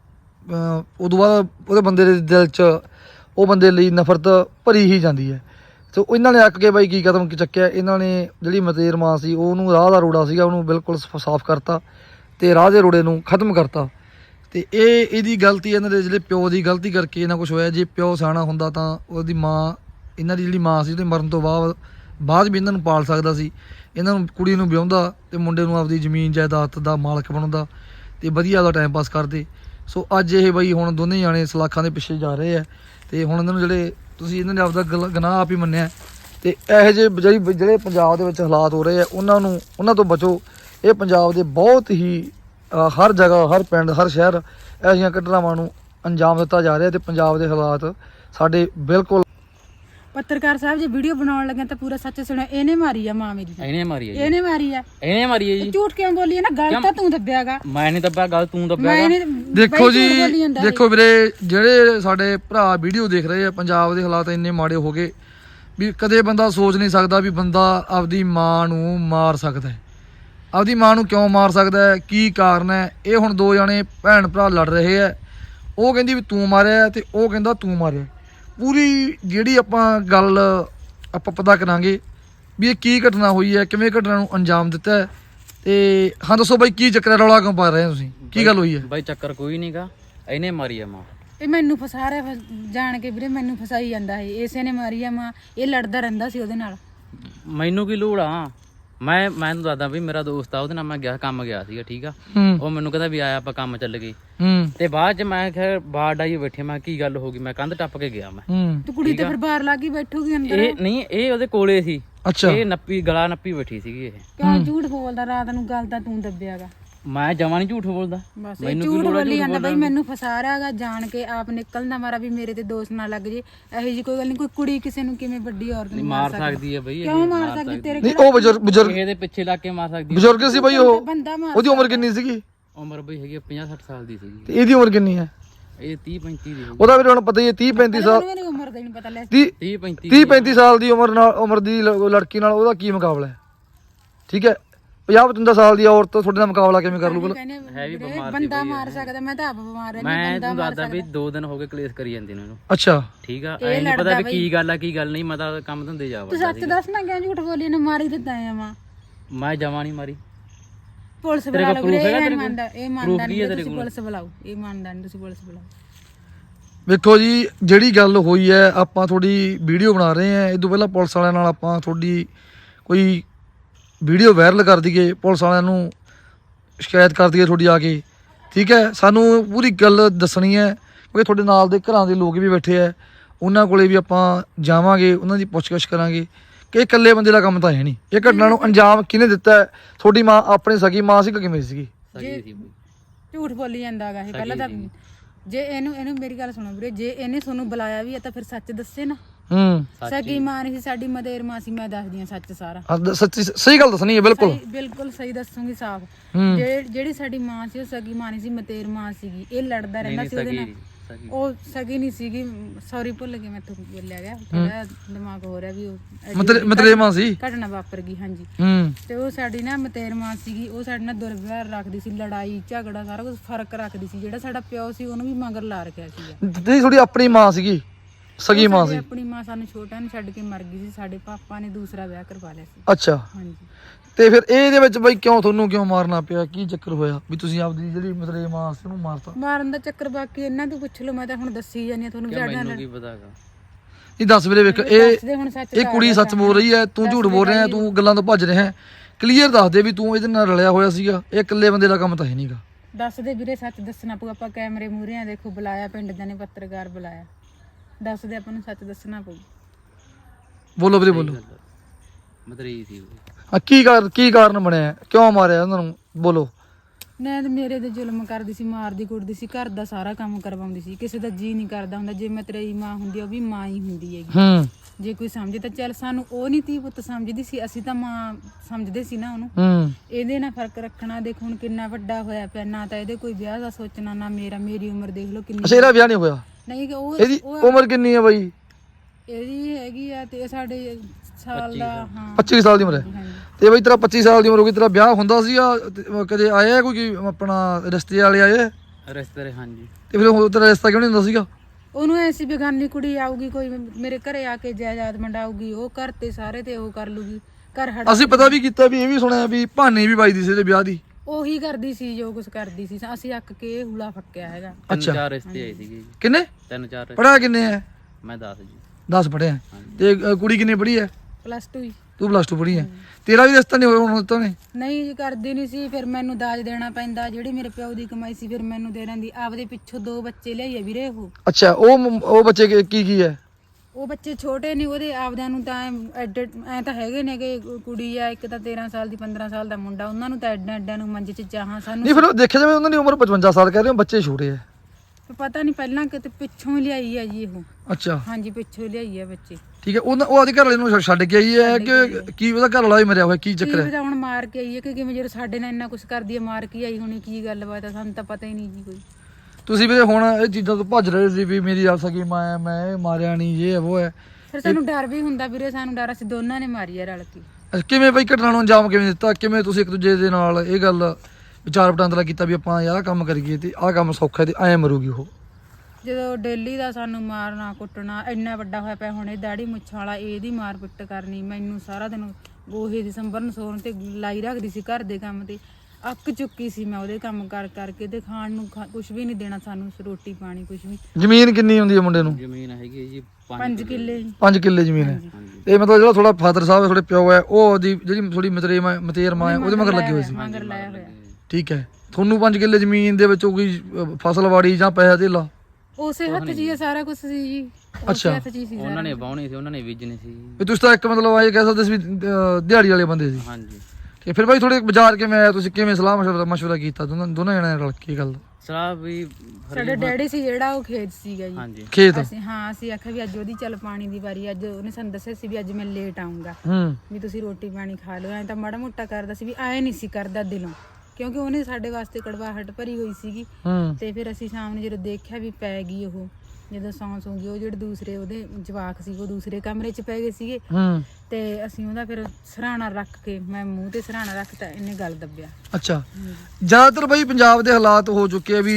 S3: ਹਾਂ ਉਦੋਂ ਬਾਅਦ ਉਹਦੇ ਬੰਦੇ ਦੇ ਦਿਲ 'ਚ ਉਹ ਬੰਦੇ ਲਈ ਨਫ਼ਰਤ ਭਰੀ ਹੀ ਜਾਂਦੀ ਹੈ। ਸੋ ਇਹਨਾਂ ਨੇ ਅੱਕ ਕੇ ਬਾਈ ਕੀ ਕਦਮ ਚੱਕਿਆ, ਇਹਨਾਂ ਨੇ ਜਿਹੜੀ ਮਤੇਰ ਮਾਂ ਸੀ ਉਹਨੂੰ ਰਾਹ ਦਾ ਰੋੜਾ ਸੀਗਾ ਉਹਨੂੰ ਬਿਲਕੁਲ ਸਾਫ਼ ਕਰਤਾ ਤੇ ਰਾਹ ਦੇ ਰੋੜੇ ਨੂੰ ਖਤਮ ਕਰਤਾ। ਤੇ ਇਹਦੀ ਗਲਤੀ, ਇਹਨਾਂ ਦੇ ਜਿਹੜੇ ਪਿਓ ਦੀ ਗਲਤੀ ਕਰਕੇ ਇਹਨਾਂ ਕੁਝ ਹੋਇਆ। ਜੇ ਪਿਓ ਸਿਆਣਾ ਹੁੰਦਾ ਤਾਂ ਉਹਦੀ ਮਾਂ, ਇਹਨਾਂ ਦੀ ਜਿਹੜੀ ਮਾਂ ਸੀ ਉਹਦੇ ਮਰਨ ਤੋਂ ਬਾਅਦ ਵੀ ਇਹਨਾਂ ਨੂੰ ਪਾਲ ਸਕਦਾ ਸੀ, ਇਹਨਾਂ ਨੂੰ ਕੁੜੀ ਨੂੰ ਵਿਆਹੁੰਦਾ ਤੇ ਮੁੰਡੇ ਨੂੰ ਆਪਦੀ ਜ਼ਮੀਨ ਜਾਇਦਾਦ ਦਾ ਮਾਲਕ ਬਣਾਉਂਦਾ ਤੇ ਵਧੀਆ ਦਾ ਟਾਈਮ ਪਾਸ ਕਰਦੇ। ਸੋ ਅੱਜ ਇਹ ਬਈ ਹੁਣ ਦੋਨੇ ਜਾਣੇ ਸਲਾਖਾਂ ਦੇ ਪਿੱਛੇ ਜਾ ਰਹੇ ਆ। ਤੇ ਹੁਣ ਇਹਨਾਂ ਨੂੰ ਜਿਹੜੇ ਤੁਸੀਂ ਇਹਨਾਂ ਨੇ ਆਪਦਾ ਗੁਨਾਹ ਆਪ ਹੀ ਮੰਨਿਆ, ਤੇ ਇਹੋ ਜਿਹੇ ਜਿਹੜੇ ਪੰਜਾਬ ਦੇ ਵਿੱਚ ਹਾਲਾਤ ਹੋ ਰਹੇ ਆ ਉਹਨਾਂ ਤੋਂ ਬਚੋ। ਇਹ ਪੰਜਾਬ ਦੇ ਬਹੁਤ ਹੀ ਹਰ ਜਗ੍ਹਾ, ਹਰ ਪਿੰਡ, ਹਰ ਸ਼ਹਿਰ ਇਹੋ ਜਿਹੀਆਂ ਘਟਨਾਵਾਂ ਨੂੰ ਅੰਜਾਮ ਦਿੱਤਾ ਜਾ ਰਿਹਾ ਤੇ ਪੰਜਾਬ ਦੇ ਹਾਲਾਤ ਸਾਡੇ ਬਿਲਕੁਲ।
S1: ਪੱਤਰਕਾਰ ਸਾਹਿਬ ਜੇ ਵੀਡੀਓ ਬਣਾਉਣ ਲੱਗੇ ਤਾਂ ਪੂਰਾ ਸੱਚ ਸੁਣਿਆ। ਇਹਨੇ ਮਾਰੀ ਆ ਮਾਂ ਮੇਰੀ,
S2: ਇਹਨੇ ਮਾਰੀ ਹੈ ਜੀ,
S1: ਇਹਨੇ ਮਾਰੀ ਆ,
S2: ਇਹਨੇ ਮਾਰੀ ਹੈ ਜੀ।
S1: ਝੂਠ ਕਿਉਂ ਬੋਲੀ ਹੈ ਨਾ? ਗੱਲ ਤਾਂ ਤੂੰ ਦੱਬਿਆਗਾ,
S2: ਮੈਂ ਨਹੀਂ ਦੱਬਿਆ, ਗੱਲ ਤੂੰ ਦੱਬਿਆ।
S1: ਮੈਂ ਨਹੀਂ।
S3: ਦੇਖੋ ਜੀ, ਦੇਖੋ ਵੀਰੇ, ਜਿਹੜੇ ਸਾਡੇ ਭਰਾ ਵੀਡੀਓ ਦੇਖ ਰਹੇ ਆ, ਪੰਜਾਬ ਦੇ ਹਾਲਾਤ ਇੰਨੇ ਮਾੜੇ ਹੋ ਗਏ ਵੀ ਕਦੇ ਬੰਦਾ ਸੋਚ ਨਹੀਂ ਸਕਦਾ ਵੀ ਬੰਦਾ ਆਪਦੀ ਮਾਂ ਨੂੰ ਮਾਰ ਸਕਦਾ ਹੈ। ਆਪਦੀ ਮਾਂ ਨੂੰ ਕਿਉਂ ਮਾਰ ਸਕਦਾ ਹੈ, ਕੀ ਕਾਰਨ ਹੈ? ਇਹ ਹੁਣ ਦੋ ਜਣੇ ਭੈਣ ਭਰਾ ਲੜ ਰਹੇ ਆ। ਉਹ ਕਹਿੰਦੀ ਵੀ ਤੂੰ ਮਾਰਿਆ ਤੇ ਉਹ ਕਹਿੰਦਾ ਤੂੰ ਮਾਰਿਆ। ਪੂਰੀ ਜਿਹੜੀ ਗੱਲ ਆਪਾਂ ਪਤਾ ਕਰਾਂਗੇ ਵੀ ਇਹ ਕੀ ਘਟਨਾ ਹੋਈ ਹੈ, ਕਿਵੇਂ ਘਟਨਾ ਨੂੰ ਅੰਜਾਮ ਦਿੱਤਾ ਹੈ। ਤੇ ਹਾਂ ਦੱਸੋ ਬਾਈ, ਕੀ ਚੱਕਰ ਰੌਲਾ ਕਿਉਂ ਪਾ ਰਹੇ ਹੋ ਤੁਸੀਂ? ਕੀ ਗੱਲ ਹੋਈ ਹੈ
S2: ਬਾਈ? ਚੱਕਰ ਕੋਈ ਨਹੀਂਗਾ, ਇਹਨੇ ਮਾਰੀ ਆ ਮਾਂ।
S1: ਇਹ ਮੈਨੂੰ ਫਸਾ ਰਿਹਾ, ਜਾਣ ਕੇ ਵੀਰੇ ਮੈਨੂੰ ਫਸਾਈ ਜਾਂਦਾ ਹੈ। ਇਸੇ ਨੇ ਮਾਰੀ ਆ ਮਾਂ। ਇਹ ਲੜਦਾ ਰਹਿੰਦਾ ਸੀ ਉਹਦੇ ਨਾਲ।
S2: ਮੈਨੂੰ ਕੀ ਲੋੜ ਆ? ਮੈਂ ਤੁਹਾਨੂੰ ਦੱਸਦਾ ਵੀ ਮੇਰਾ ਦੋਸਤ ਆ, ਉਹਦੇ ਨਾਲ ਮੈਂ ਕੰਮ ਗਿਆ ਸੀਗਾ, ਠੀਕ ਆ। ਉਹ ਮੈਨੂੰ ਕਹਿੰਦਾ ਵੀ ਆਇਆ ਆਪਾਂ ਕੰਮ ਚੱਲ ਗਏ। ਤੇ ਬਾਅਦ ਚ ਮੈਂ ਕਿਹਾ ਬਾਹਰ ਡਾਈ ਬੈਠੇ, ਮੈਂ ਕੀ ਗੱਲ ਹੋ ਗਈ, ਮੈਂ ਕੰਧ ਟੱਪ ਕੇ ਗਿਆ। ਮੈਂ
S1: ਤੂੰ ਕੁੜੀ ਤੇ ਫਿਰ ਬਾਹਰ ਲੱਗ ਗਈ ਬੈਠੂਗੀ ਅੰਦਰ।
S2: ਇਹ ਨਹੀਂ, ਇਹ ਉਹਦੇ ਕੋਲੇ ਸੀ।
S3: ਅੱਛਾ,
S2: ਇਹ ਗਲਾ ਨੱਪੀ ਬੈਠੀ ਸੀਗੀ। ਇਹ
S1: ਕਿਉਂ ਝੂਠ ਬੋਲਦਾ? ਰਾਤ ਨੂੰ ਗੱਲ ਤਾਂ ਤੂੰ ਦੱਬਿਆਗਾ।
S2: ਮੈਂ ਜਮਾਂ ਨਹੀਂ ਝੂਠ ਬੋਲਦਾ।
S1: ਬਸ ਇਹ ਝੂਠ ਬੋਲੀ ਜਾਂਦਾ ਬਈ, ਮੈਨੂੰ ਫਸਾ ਰਿਹਾਗਾ ਜਾਣ ਕੇ। ਆਪ ਨਿਕਲਦਾ ਮਾਰਾ ਵੀ ਮੇਰੇ ਤੇ ਦੋਸ਼ ਨਾ ਲੱਗ ਜੇ। ਇਹੋ ਜੀ ਕੋਈ ਗੱਲ ਨਹੀਂ। ਕੋਈ ਕੁੜੀ ਕਿਸੇ ਨੂੰ ਕਿਵੇਂ ਵੱਡੀ ਔਰਤ ਨੂੰ
S2: ਮਾਰ ਸਕਦੀ ਹੈ ਬਈ?
S1: ਕਿਉਂ ਮਾਰ ਸਕਦੀ? ਤੇਰੇ
S3: ਨਹੀਂ ਉਹ ਬਜ਼ੁਰਗ
S2: ਇਹਦੇ ਪਿੱਛੇ ਲੱਗ ਕੇ ਮਾਰ ਸਕਦੀ।
S3: ਬਜ਼ੁਰਗ ਸੀ ਬਈ ਉਹ?
S1: ਬੰਦਾ ਮਾਰ।
S3: ਉਹਦੀ ਉਮਰ ਕਿੰਨੀ ਸੀਗੀ?
S2: ਉਮਰ ਬਈ ਹੈਗੀ 50-60 ਸਾਲ ਦੀ ਸੀਗੀ।
S3: ਤੇ ਇਹਦੀ ਉਮਰ ਕਿੰਨੀ ਹੈ?
S2: ਇਹ 30-35 ਦੀ।
S3: ਉਹਦਾ ਵੀ ਤੁਹਾਨੂੰ ਪਤਾ ਹੀ ਹੈ 30-35 ਸਾਲ।
S1: ਮੇਰੀ ਉਮਰ ਦਾ ਨਹੀਂ ਪਤਾ ਲੈ।
S3: 30-35 ਸਾਲ ਦੀ ਉਮਰ ਦੀ ਲੜਕੀ ਨਾਲ ਉਹਦਾ ਕੀ ਮੁਕਾਬਲਾ ਹੈ? ਠੀਕ ਹੈ, 50-55 ਸਾਲ ਦੀ ਔਰਤ ਤੁਹਾਡੇ ਨਾਲ ਮੁਕਾਬਲਾ ਕਿਵੇਂ ਕਰ ਲੂਗਾ?
S2: ਹੈ ਵੀ ਬਿਮਾਰ ਸੀ
S1: ਬੰਦਾ ਮਾਰ ਸਕਦਾ। ਮੈਂ ਤਾਂ ਆਪ ਬਿਮਾਰ ਰਹਿੰਦੀ।
S2: ਮੈਂ ਤੁਹਾਨੂੰ ਦੱਸਦਾ ਵੀ 2 ਦਿਨ ਹੋ ਗਏ ਕਲੇਸ਼ ਕਰੀ ਜਾਂਦੀ ਨੂੰ।
S3: ਅੱਛਾ,
S2: ਠੀਕ ਆ। ਇਹ ਨਹੀਂ ਪਤਾ ਵੀ ਕੀ ਗੱਲ ਆ ਕੀ ਗੱਲ ਨਹੀਂ। ਮੈਂ ਤਾਂ ਕੰਮ ਧੰਦੇ ਜਾ
S1: ਤੂੰ ਸੱਚ ਦੱਸ ਨਾ, ਕਿਉਂ ਝੂਠ ਬੋਲੀ? ਇਹਨੇ ਮਾਰੀ ਦਿੱਤਾ ਆ ਮਾਂ।
S2: ਮੈਂ ਜਮਾ ਨਹੀਂ ਮਾਰੀ।
S1: ਪੁਲਿਸ ਬੁਲਾ ਲਓ ਵੀਰੇ। ਇਹ ਮੰਨਦਾ, ਇਹ ਮੰਨਦਾ ਨਹੀਂ। ਤੁਸੀਂ ਪੁਲਿਸ ਬੁਲਾਓ। ਇਹ ਮੰਨਦਾ ਨਹੀਂ, ਤੁਸੀਂ ਪੁਲਿਸ ਬੁਲਾਓ।
S3: ਵੇਖੋ ਜੀ, ਜਿਹੜੀ ਗੱਲ ਹੋਈ ਹੈ, ਆਪਾਂ ਤੁਹਾਡੀ ਵੀਡੀਓ ਬਣਾ ਰਹੇ ਹਾਂ। ਇਹ ਤੋਂ ਪਹਿਲਾਂ ਪੁਲਿਸ ਵਾਲਿਆਂ ਨਾਲ ਆਪਾਂ ਤੁਹਾਡੀ ਕੋਈ ਵੀਡੀਓ ਵਾਇਰਲ ਕਰ ਦਈਏ, ਪੁਲਿਸ ਵਾਲਿਆਂ ਨੂੰ ਸ਼ਿਕਾਇਤ ਕਰ ਦਈਏ ਤੁਹਾਡੀ ਆ ਕੇ। ਠੀਕ ਹੈ, ਸਾਨੂੰ ਪੂਰੀ ਗੱਲ ਦੱਸਣੀ ਹੈ ਕਿਉਂਕਿ ਤੁਹਾਡੇ ਨਾਲ ਦੇ ਘਰਾਂ ਦੇ ਲੋਕ ਵੀ ਬੈਠੇ ਹੈ। ਉਹਨਾਂ ਕੋਲੇ ਵੀ ਆਪਾਂ ਜਾਵਾਂਗੇ, ਉਹਨਾਂ ਦੀ ਪੁੱਛਗਿੱਛ ਕਰਾਂਗੇ ਕਿ ਇਕੱਲੇ ਬੰਦੇ ਦਾ ਕੰਮ ਤਾਂ ਹੈ ਨਹੀਂ। ਇਹ ਘਟਨਾ ਨੂੰ ਅੰਜਾਮ ਕਿਹਨੇ ਦਿੱਤਾ ਹੈ? ਤੁਹਾਡੀ ਮਾਂ ਆਪਣੀ ਸਗੀ ਮਾਂ ਸੀ ਕਿ ਕਿਵੇਂ ਸੀਗੀ?
S1: ਝੂਠ ਬੋਲੀ ਜਾਂਦਾਗਾ ਇਹ। ਪਹਿਲਾਂ ਤਾਂ ਜੇ ਇਹਨੂੰ ਮੇਰੀ ਗੱਲ ਸੁਣੋ ਵੀਰੇ, ਜੇ ਇਹਨੇ ਤੁਹਾਨੂੰ ਬੁਲਾਇਆ ਵੀ ਹੈ ਤਾਂ ਫਿਰ ਸੱਚ ਦੱਸੇ ਨਾ। ਸਗੀ ਮਾਂ ਨਹੀਂ ਸੀ ਸਾਡੀ, ਮਦੇਰ ਮਾਂ ਸੀ। ਮੈਂ ਦੱਸਦੀ ਹਾਂ ਸੱਚ ਸਾਰਾ।
S3: ਸੱਚੀ ਸਹੀ ਗੱਲ ਦੱਸਣੀ ਹੈ।
S1: ਬਿਲਕੁਲ ਸਹੀ ਦੱਸੂਗੀ ਸਾਫ਼। ਜਿਹੜੀ ਸਾਡੀ ਮਾਂ ਸੀ ਉਹ ਸਗੀ ਮਾਂ ਨਹੀਂ ਸੀ, ਮਤੇਰ ਮਾਂ ਸੀਗੀ। ਇਹ ਲੜਦਾ ਰਹਿੰਦਾ ਸੀ ਉਹਦੇ ਨਾਲ। ਉਹ ਸਗੀ ਨਹੀਂ ਸੀਗੀ। ਸੌਰੀ ਭੁੱਲ ਗਈ, ਮੈਥੋਂ ਬੋਲਿਆ ਗਿਆ। ਥੋੜਾ ਦਿਮਾਗ ਹੋ ਰਿਹਾ ਵੀ ਉਹ
S3: ਮਤੇਰ ਮਾਂ ਸੀ।
S1: ਘਟਨਾ ਵਾਪਰ ਗਈ। ਹਾਂਜੀ। ਤੇ ਉਹ ਸਾਡੀ ਨਾ ਮਤੇਰ ਮਾਂ ਸੀਗੀ। ਉਹ ਸਾਡੇ ਨਾਲ ਦੁਰਵਿਵਹਾਰ ਰੱਖਦੀ ਸੀ, ਲੜਾਈ ਝਗੜਾ ਸਾਰਾ ਕੁਝ ਫਰਕ ਰੱਖਦੀ ਸੀ। ਜਿਹੜਾ ਸਾਡਾ ਪਿਓ ਸੀ ਉਹਨੂੰ ਵੀ ਮਗਰ ਲਾ ਰੱਖਿਆ ਸੀਗਾ।
S3: ਜਿਹੜੀ ਤੁਹਾਡੀ ਆਪਣੀ ਮਾਂ ਸੀਗੀ, ਸਗੀ ਮਾਂ ਸੀ?
S1: ਆਪਣੀ ਮਾਂ ਸਾਨੂੰ ਛੋਟਾ ਨੂੰ ਛੱਡ ਕੇ ਮਰ ਗਈ ਸੀ। ਸਾਡੇ ਪਾਪਾ ਨੇ ਦੂਸਰਾ ਵਿਆਹ ਕਰਵਾ ਲਿਆ ਸੀ।
S3: ਅੱਛਾ।
S1: ਹਾਂਜੀ।
S3: ਤੇ ਫਿਰ ਇਹਦੇ ਵਿੱਚ ਬਾਈ ਤੁਹਾਨੂੰ ਕਿਉਂ ਮਾਰਨਾ ਪਿਆ? ਕੀ ਚੱਕਰ ਹੋਇਆ ਵੀ ਤੁਸੀਂ ਆਪਦੀ ਜਿਹੜੀ ਮਤਲਬ ਮਾਂ ਸੀ ਉਹਨੂੰ ਮਾਰਤਾ?
S1: ਮਾਰਨ ਦਾ ਚੱਕਰ ਬਾਕੀ ਇਹਨਾਂ ਤੋਂ ਪੁੱਛ ਲਓ। ਮੈਂ ਤਾਂ ਹੁਣ ਦੱਸੀ ਜਾਂਦੀ ਆ ਤੁਹਾਨੂੰ।
S2: ਮੈਨੂੰ ਕੀ ਪਤਾਗਾ?
S3: ਇਹ ਦੱਸ ਵੀਰੇ, ਵੇਖ ਇਹ ਕੁੜੀ ਸੱਚ ਬੋਲ ਰਹੀ ਹੈ, ਤੂੰ ਝੂਠ ਬੋਲ ਰਿਹਾ, ਤੂੰ ਗੱਲਾਂ ਤੋਂ ਭੱਜ ਰਿਹਾ। ਕਲੀਅਰ ਦੱਸ ਦੇ ਵੀ ਤੂੰ ਇਹਦੇ ਨਾਲ ਰਲਿਆ ਹੋਇਆ ਸੀਗਾ। ਇਹ ਇਕੱਲੇ ਬੰਦੇ ਦਾ ਕੰਮ ਤਾਂ ਹੈ ਨਹੀਂਗਾ।
S1: ਦੱਸ ਦੇ ਵੀਰੇ, ਸੱਚ ਦੱਸਣਾ ਪਊ। ਆਪਾਂ ਕੈਮਰੇ ਮੂਹਰੇ ਆ, ਦੇਖੋ ਬੁਲਾਇਆ, ਪਿੰਡ ਦੇ ਨੇ ਪੱਤਰਕਾਰ ਬੁਲਾਇਆ। ਦੱਸ ਦੇ, ਆਪਾਂ ਨੂੰ ਸੱਚ ਦੱਸਣਾ ਪਊ।
S3: ਬੋਲੋ ਵੀਰੇ, ਬੋਲੋ।
S2: ਮਤਲਬ ਇਹ ਸੀ
S3: ਕੀ ਕਾਰਨ ਬਣਿਆ? ਕਿਉਂ ਮਾਰਿਆ ਉਹਨਾਂ ਨੂੰ? ਬੋਲੋ।
S1: ਮੈਂ ਤੇ ਮੇਰੇ ਤੇ ਜ਼ੁਲਮ ਕਰਦੀ ਸੀ, ਮਾਰਦੀ ਕੁੱਟਦੀ ਸੀ, ਘਰ ਦਾ ਸਾਰਾ ਕੰਮ ਕਰਵਾਉਂਦੀ ਸੀ। ਕਿਸੇ ਦਾ ਜੀ ਨਹੀਂ ਕਰਦਾ ਹੁੰਦਾ। ਜੇ ਮੈਂ ਤੇਰੀ ਮਾਂ ਹੁੰਦੀ ਉਹ ਵੀ ਮਾਂ ਹੀ ਹੁੰਦੀ ਹੈਗੀ। ਜੇ ਕੋਈ ਸਮਝੇ ਤਾਂ ਚੱਲ, ਸਾਨੂੰ ਉਹ ਨਹੀਂ ਧੀ ਪੁੱਤ ਸਮਝਦੀ ਸੀ, ਅਸੀਂ ਤਾਂ ਮਾਂ ਸਮਝਦੇ ਸੀ ਨਾ ਉਹਨੂੰ। ਇਹਦੇ ਨਾਲ ਫਰਕ ਰੱਖਣਾ। ਦੇਖ ਹੁਣ ਕਿੰਨਾ ਵੱਡਾ ਹੋਇਆ ਪਿਆ। ਨਾ ਤਾਂ ਇਹਦੇ ਕੋਈ ਵਿਆਹ ਦਾ ਸੋਚਣਾ, ਨਾ ਮੇਰੀ ਉਮਰ ਦੇਖ ਲਓ ਕਿੰਨੀ।
S3: ਅੱਛਾ, ਇਹਦਾ ਵਿਆਹ ਨਹੀਂ ਹੋਇਆ?
S1: ਨਹੀਂ,
S3: ਇਹਦੀ ਉਮਰ ਕਿੰਨੀ ਹੈ ਬਾਈ?
S1: ਇਹਦੀ ਹੈਗੀ ਆ ਤੇ ਸਾਡੇ ਸਾਲ ਦਾ। ਹਾਂ,
S3: 25 ਸਾਲ ਦੀ ਉਮਰ ਹੈ। ਤੇ ਬਈ ਤੇਰਾ 25 ਸਾਲ ਦੀ ਉਮਰ ਹੋ ਗਈ, ਤੇਰਾ ਵਿਆਹ ਹੁੰਦਾ ਸੀਗਾ? ਕਦੇ ਆਇਆ ਕੋਈ ਆਪਣਾ ਰਿਸ਼ਤੇ ਵਾਲੇ ਆਏ?
S2: ਰਿਸ਼ਤੇ? ਹਾਂਜੀ।
S3: ਤੇ ਫਿਰ ਤੇਰਾ ਰਿਸ਼ਤਾ ਕਿਉਂ ਨਹੀਂ ਹੁੰਦਾ ਸੀਗਾ?
S1: ਉਹਨੂੰ ਐਸੀ ਬੇਗਾਨੀ ਕੁੜੀ ਆਊਗੀ, ਕੋਈ ਮੇਰੇ ਘਰੇ ਆ ਕੇ ਜਾਇਦਾਦ ਮੰਡਾਊਗੀ, ਉਹ ਘਰ ਤੇ ਸਾਰੇ ਤੇ ਉਹ ਕਰ ਲੂਗੀ। ਘਰ
S3: ਅਸੀਂ ਪਤਾ ਵੀ ਕੀਤਾ ਵੀ ਇਹ ਵੀ ਸੁਣਿਆ ਵੀ ਭਾਨੀ ਵੀ ਵੱਜਦੀ ਸੀ ਇਹਦੇ ਵਿਆਹ ਦੀ।
S1: ਉਹੀ ਕਰਦੀ ਸੀ ਜੋ ਕੁਝ ਕਰਦੀ ਸੀ। ਅਸੀਂ ਅੱਕ ਕੇ ਇਹ ਹੁਲਾ ਫੱਕਿਆ ਹੈਗਾ।
S2: 3-4 ਰਿਸ਼ਤੇ ਆਏ ਸੀਗੇ।
S3: ਕਿੰਨੇ?
S2: 3-4।
S3: ਪੜਿਆ ਕਿੰਨੇ ਹੈ?
S2: ਮੈਂ 10 ਜੀ।
S3: 10 ਪੜਿਆ। ਤੇ ਕੁੜੀ ਕਿੰਨੀ ਪੜ੍ਹੀ ਹੈ?
S1: +2 ਹੀ।
S3: ਤੂੰ +2 ਪੜ੍ਹੀ ਹੈ। ਤੇਰਾ ਵੀ ਰਿਸ਼ਤਾ ਨਹੀਂ ਹੋਇਆ ਹੁਣ ਤਾਂ ਨੇ?
S1: ਨਹੀਂ ਜੀ, ਕਰਦੀ ਨਹੀਂ ਸੀ। ਫਿਰ ਮੈਨੂੰ ਦਾਜ ਦੇਣਾ ਪੈਂਦਾ। ਜਿਹੜੀ ਮੇਰੇ ਪਿਓ ਦੀ ਕਮਾਈ ਸੀ ਫਿਰ ਮੈਨੂੰ ਦੇ ਰਹਿੰਦੀ। ਆਪਦੇ ਪਿੱਛੋਂ 2 ਬੱਚੇ ਲਿਆਈਏ ਵੀਰੇ ਉਹ।
S3: ਅੱਛਾ, ਉਹ ਬੱਚੇ ਕੀ ਹੈ?
S1: ਉਹ ਬੱਚੇ ਛੋਟੇ ਨੇ, ਉਹਦੇ ਆਪਦਿਆਂ ਨੂੰ ਤਾਂ ਐ ਤਾਂ ਹੈਗੇ ਨੇ ਕਿ ਕੁੜੀ ਆ ਇੱਕ ਤਾਂ 13 ਸਾਲ ਦੀ 15 ਸਾਲ ਦਾ ਮੁੰਡਾ, ਉਹਨਾਂ ਨੂੰ ਤਾਂ ਐਡਿਆਂ ਨੂੰ ਮੰਜੇ 'ਚ ਚਾਹਾਂ ਸਾਨੂੰ
S3: ਨਹੀਂ ਫਿਰ ਉਹ ਦੇਖਿਆ ਜਾਵੇ ਉਹਨਾਂ ਦੀ ਉਮਰ 55 ਸਾਲ ਕਹਿ ਰਹੇ ਹੋ, ਬੱਚੇ ਛੋਟੇ ਆ।
S1: ਪਤਾ ਨਹੀਂ ਪਹਿਲਾਂ ਕਿਤੇ ਪਿੱਛੋਂ ਲਿਆਈ ਹੈ ਜੀ ਉਹ।
S3: ਅੱਛਾ
S1: ਹਾਂਜੀ ਪਿੱਛੋਂ ਲਿਆਈ ਹੈ ਬੱਚੇ।
S3: ਠੀਕ ਹੈ, ਉਹ ਆਪਦੇ ਘਰ ਵਾਲੇ ਨੂੰ ਛੱਡ ਕੇ ਆਈ ਹੈ ਕਿ ਕੀ ਉਹਦਾ ਘਰ ਵਾਲਾ ਵੀ ਮਰਿਆ ਹੋਇਆ, ਕੀ ਚੱਕਰ
S1: ਕੀ
S3: ਹੈ?
S1: ਪਤਾ ਹੁਣ ਮਾਰ ਕੇ ਆਈ ਹੈ ਕਿ ਕਿਵੇਂ, ਜਦੋਂ ਸਾਡੇ ਨਾਲ ਇੰਨਾ ਕੁਝ ਕਰਦੀ ਹੈ ਮਾਰ ਕੇ ਆਈ ਹੋਣੀ, ਕੀ ਗੱਲਬਾਤ ਆ ਸਾਨੂੰ ਤਾਂ ਪਤਾ ਹੀ ਨਹੀਂ ਜੀ ਕੋਈ।
S3: ਤੁਸੀਂ ਵੀਰੇ ਹੁਣ ਇਹ ਚੀਜ਼ਾਂ ਤੋਂ ਭੱਜ ਰਹੇ ਸੀ ਵੀ ਮੇਰੀ ਆ ਸਕੀ ਮਾਂ ਹੈ, ਮੈਂ ਇਹ ਮਾਰਿਆ ਨਹੀਂ, ਇਹ ਹੈ ਉਹ ਹੈ,
S1: ਫਿਰ ਸਾਨੂੰ ਡਰ ਵੀ ਹੁੰਦਾ ਵੀਰੇ, ਸਾਨੂੰ ਡਰ ਅਸੀਂ ਦੋਨਾਂ ਨੇ ਮਾਰੀ ਆ ਰਲ ਕੇ।
S3: ਕਿਵੇਂ ਬਈ ਘਟਨਾ ਨੂੰ ਅੰਜਾਮ ਕਿਵੇਂ ਦਿੱਤਾ? ਕਿਵੇਂ ਤੁਸੀਂ ਇੱਕ ਦੂਜੇ ਦੇ ਨਾਲ ਇਹ ਗੱਲ ਵਿਚਾਰ ਵਟਾਂਦਰਾ ਕੀਤਾ ਵੀ ਆਪਾਂ ਆਹ ਕੰਮ ਕਰੀਏ ਤੇ ਆਹ ਕੰਮ ਸੌਖਾ ਤੇ ਐਂ ਮਰੂਗੀ ਉਹ?
S1: ਜਦੋਂ ਡੇਲੀ ਦਾ ਸਾਨੂੰ ਮਾਰਨਾ ਕੁੱਟਣਾ, ਇੰਨਾ ਵੱਡਾ ਹੋਇਆ ਪਿਆ ਹੁਣ ਇਹ ਦਾੜੀ ਮੁੱਛਾਂ ਵਾਲਾ, ਇਹਦੀ ਮਾਰ ਪਿੱਟ ਕਰਨੀ, ਮੈਨੂੰ ਸਾਰਾ ਦਿਨ ਗੋਹੇ ਦੀ ਸੰਭਰਨ ਸੋਰਨ ਤੇ ਲਾਈ ਰੱਖਦੀ ਸੀ ਘਰ ਦੇ ਕੰਮ ਤੇ। ਅੱਕ ਚੁੱਕੀ ਸੀ ਮੈਂ ਉਹਦੇ ਕੰਮ ਕਰ ਕਰਕੇ, ਤੇ ਖਾਣ ਨੂੰ ਕੁਝ ਵੀ ਨਹੀਂ ਦੇਣਾ ਸਾਨੂੰ, ਰੋਟੀ ਪਾਣੀ ਕੁਝ ਵੀ।
S3: ਜ਼ਮੀਨ ਕਿੰਨੀ ਹੁੰਦੀ ਹੈ ਮੁੰਡੇ ਨੂੰ?
S2: ਜ਼ਮੀਨ ਹੈਗੀ ਹੈ ਜੀ
S1: 5 ਕਿੱਲੇ।
S3: 5 ਕਿੱਲੇ ਜ਼ਮੀਨ ਹੈ। ਤੇ ਮਤਲਬ ਜਿਹੜਾ ਤੁਹਾਡਾ ਫਾਦਰ ਸਾਹਿਬ ਹੈ, ਤੁਹਾਡੇ ਪਿਓ ਹੈ, ਉਹ ਉਹਦੀ ਜਿਹੜੀ ਥੋੜੀ ਮਤੇਰ ਮਾਂ ਹੈ ਉਹਦੇ ਮਗਰ ਲੱਗੇ ਹੋਏ ਸੀ?
S1: ਮਗਰ ਲਾਇਆ ਹੋਇਆ।
S3: ਠੀਕ ਹੈ, ਤੁਹਾਨੂੰ 5 ਕਿੱਲੇ ਜ਼ਮੀਨ ਦੇ ਵਿੱਚੋਂ ਕੋਈ ਫਸਲ ਵਾੜੀ ਜਾਂ ਪੈਸਾ ਧੇਲਾ?
S1: ਉਸੇ ਹੱਥ 'ਚ ਹੀ ਇਹ ਸਾਰਾ ਕੁਝ ਸੀ ਜੀ।
S3: ਅੱਛਾ।
S1: ਉਸੇ ਹੱਥ 'ਚ ਹੀ ਸੀ
S2: ਉਹਨਾਂ ਨੇ ਵਾਹੁਣੀ ਸੀ, ਉਹਨਾਂ ਨੇ ਬੀਜਣੀ ਸੀ।
S3: ਵੀ ਤੁਸੀਂ ਤਾਂ ਇੱਕ ਮਤਲਬ ਇਹ ਕਹਿ ਸਕਦੇ ਸੀ ਵੀ ਦਿਹਾੜੀ ਵਾਲੇ ਬੰਦੇ ਸੀ।
S2: ਹਾਂਜੀ।
S3: ਤੇ ਫਿਰ ਬਾਈ ਥੋੜੇ ਬਾਜ਼ਾਰ ਕਿਵੇਂ ਆਇਆ, ਤੁਸੀਂ ਕਿਵੇਂ ਸਲਾਹ ਮਸ਼ਵਰਾ ਕੀਤਾ ਦੋਨਾਂ ਜਣਿਆਂ ਨਾਲ ਕੀ ਗੱਲ?
S2: ਸਲਾਹ ਵੀ
S1: ਸਾਡਾ ਡੈਡੀ ਸੀ ਜਿਹੜਾ ਉਹ ਖੇਤ ਸੀਗਾ ਜੀ।
S2: ਹਾਂਜੀ।
S3: ਖੇਤ?
S1: ਅਸੀਂ ਆਖਿਆ ਵੀ ਅੱਜ ਉਹਦੀ ਚੱਲ ਪਾਣੀ ਦੀ ਵਾਰੀ, ਅੱਜ ਉਹਨੇ ਸਾਨੂੰ ਦੱਸਿਆ ਸੀ ਵੀ ਅੱਜ ਮੈਂ ਲੇਟ ਆਉਂਗਾ, ਵੀ ਤੁਸੀਂ ਰੋਟੀ ਪਾਣੀ ਖਾ ਲਓ। ਐਂ ਤਾਂ ਮਾੜਾ ਮੋਟਾ ਕਰਦਾ ਸੀ, ਵੀ ਐ ਨਹੀਂ ਸੀ ਕਰਦਾ ਦਿਲੋਂ, ਕਿਉਂਕਿ ਉਹਨੇ ਸਾਡੇ ਵਾਸਤੇ ਕੜਵਾਹਟ ਭਰੀ ਹੋਈ ਸੀਗੀ। ਤੇ ਫਿਰ ਅਸੀਂ ਸ਼ਾਮ ਨੂੰ ਜਦੋਂ ਦੇਖਿਆ ਵੀ ਪੈ ਗਈ ਉਹ, ਜਦੋਂ ਸੌਂ ਗਈ ਉਹ, ਜਿਹੜੇ ਦੂਸਰੇ ਉਹਦੇ ਜਵਾਕ ਸੀ ਉਹ ਦੂਸਰੇ ਕਮਰੇ 'ਚ ਪੈ ਗਏ ਸੀਗੇ। ਤੇ ਅਸੀਂ ਉਹਦਾ ਫਿਰ ਸਰਾਣਾ ਰੱਖ ਕੇ, ਮੈਂ ਮੂੰਹ ਤੇ ਸਰਾਣਾ ਰੱਖਤਾ, ਇਹਨੇ ਗੱਲ ਦੱਬਿਆ।
S3: ਅੱਛਾ। ਜ਼ਿਆਦਾਤਰ ਬਈ ਪੰਜਾਬ ਦੇ ਹਾਲਾਤ ਹੋ ਚੁੱਕੇ ਆ ਵੀ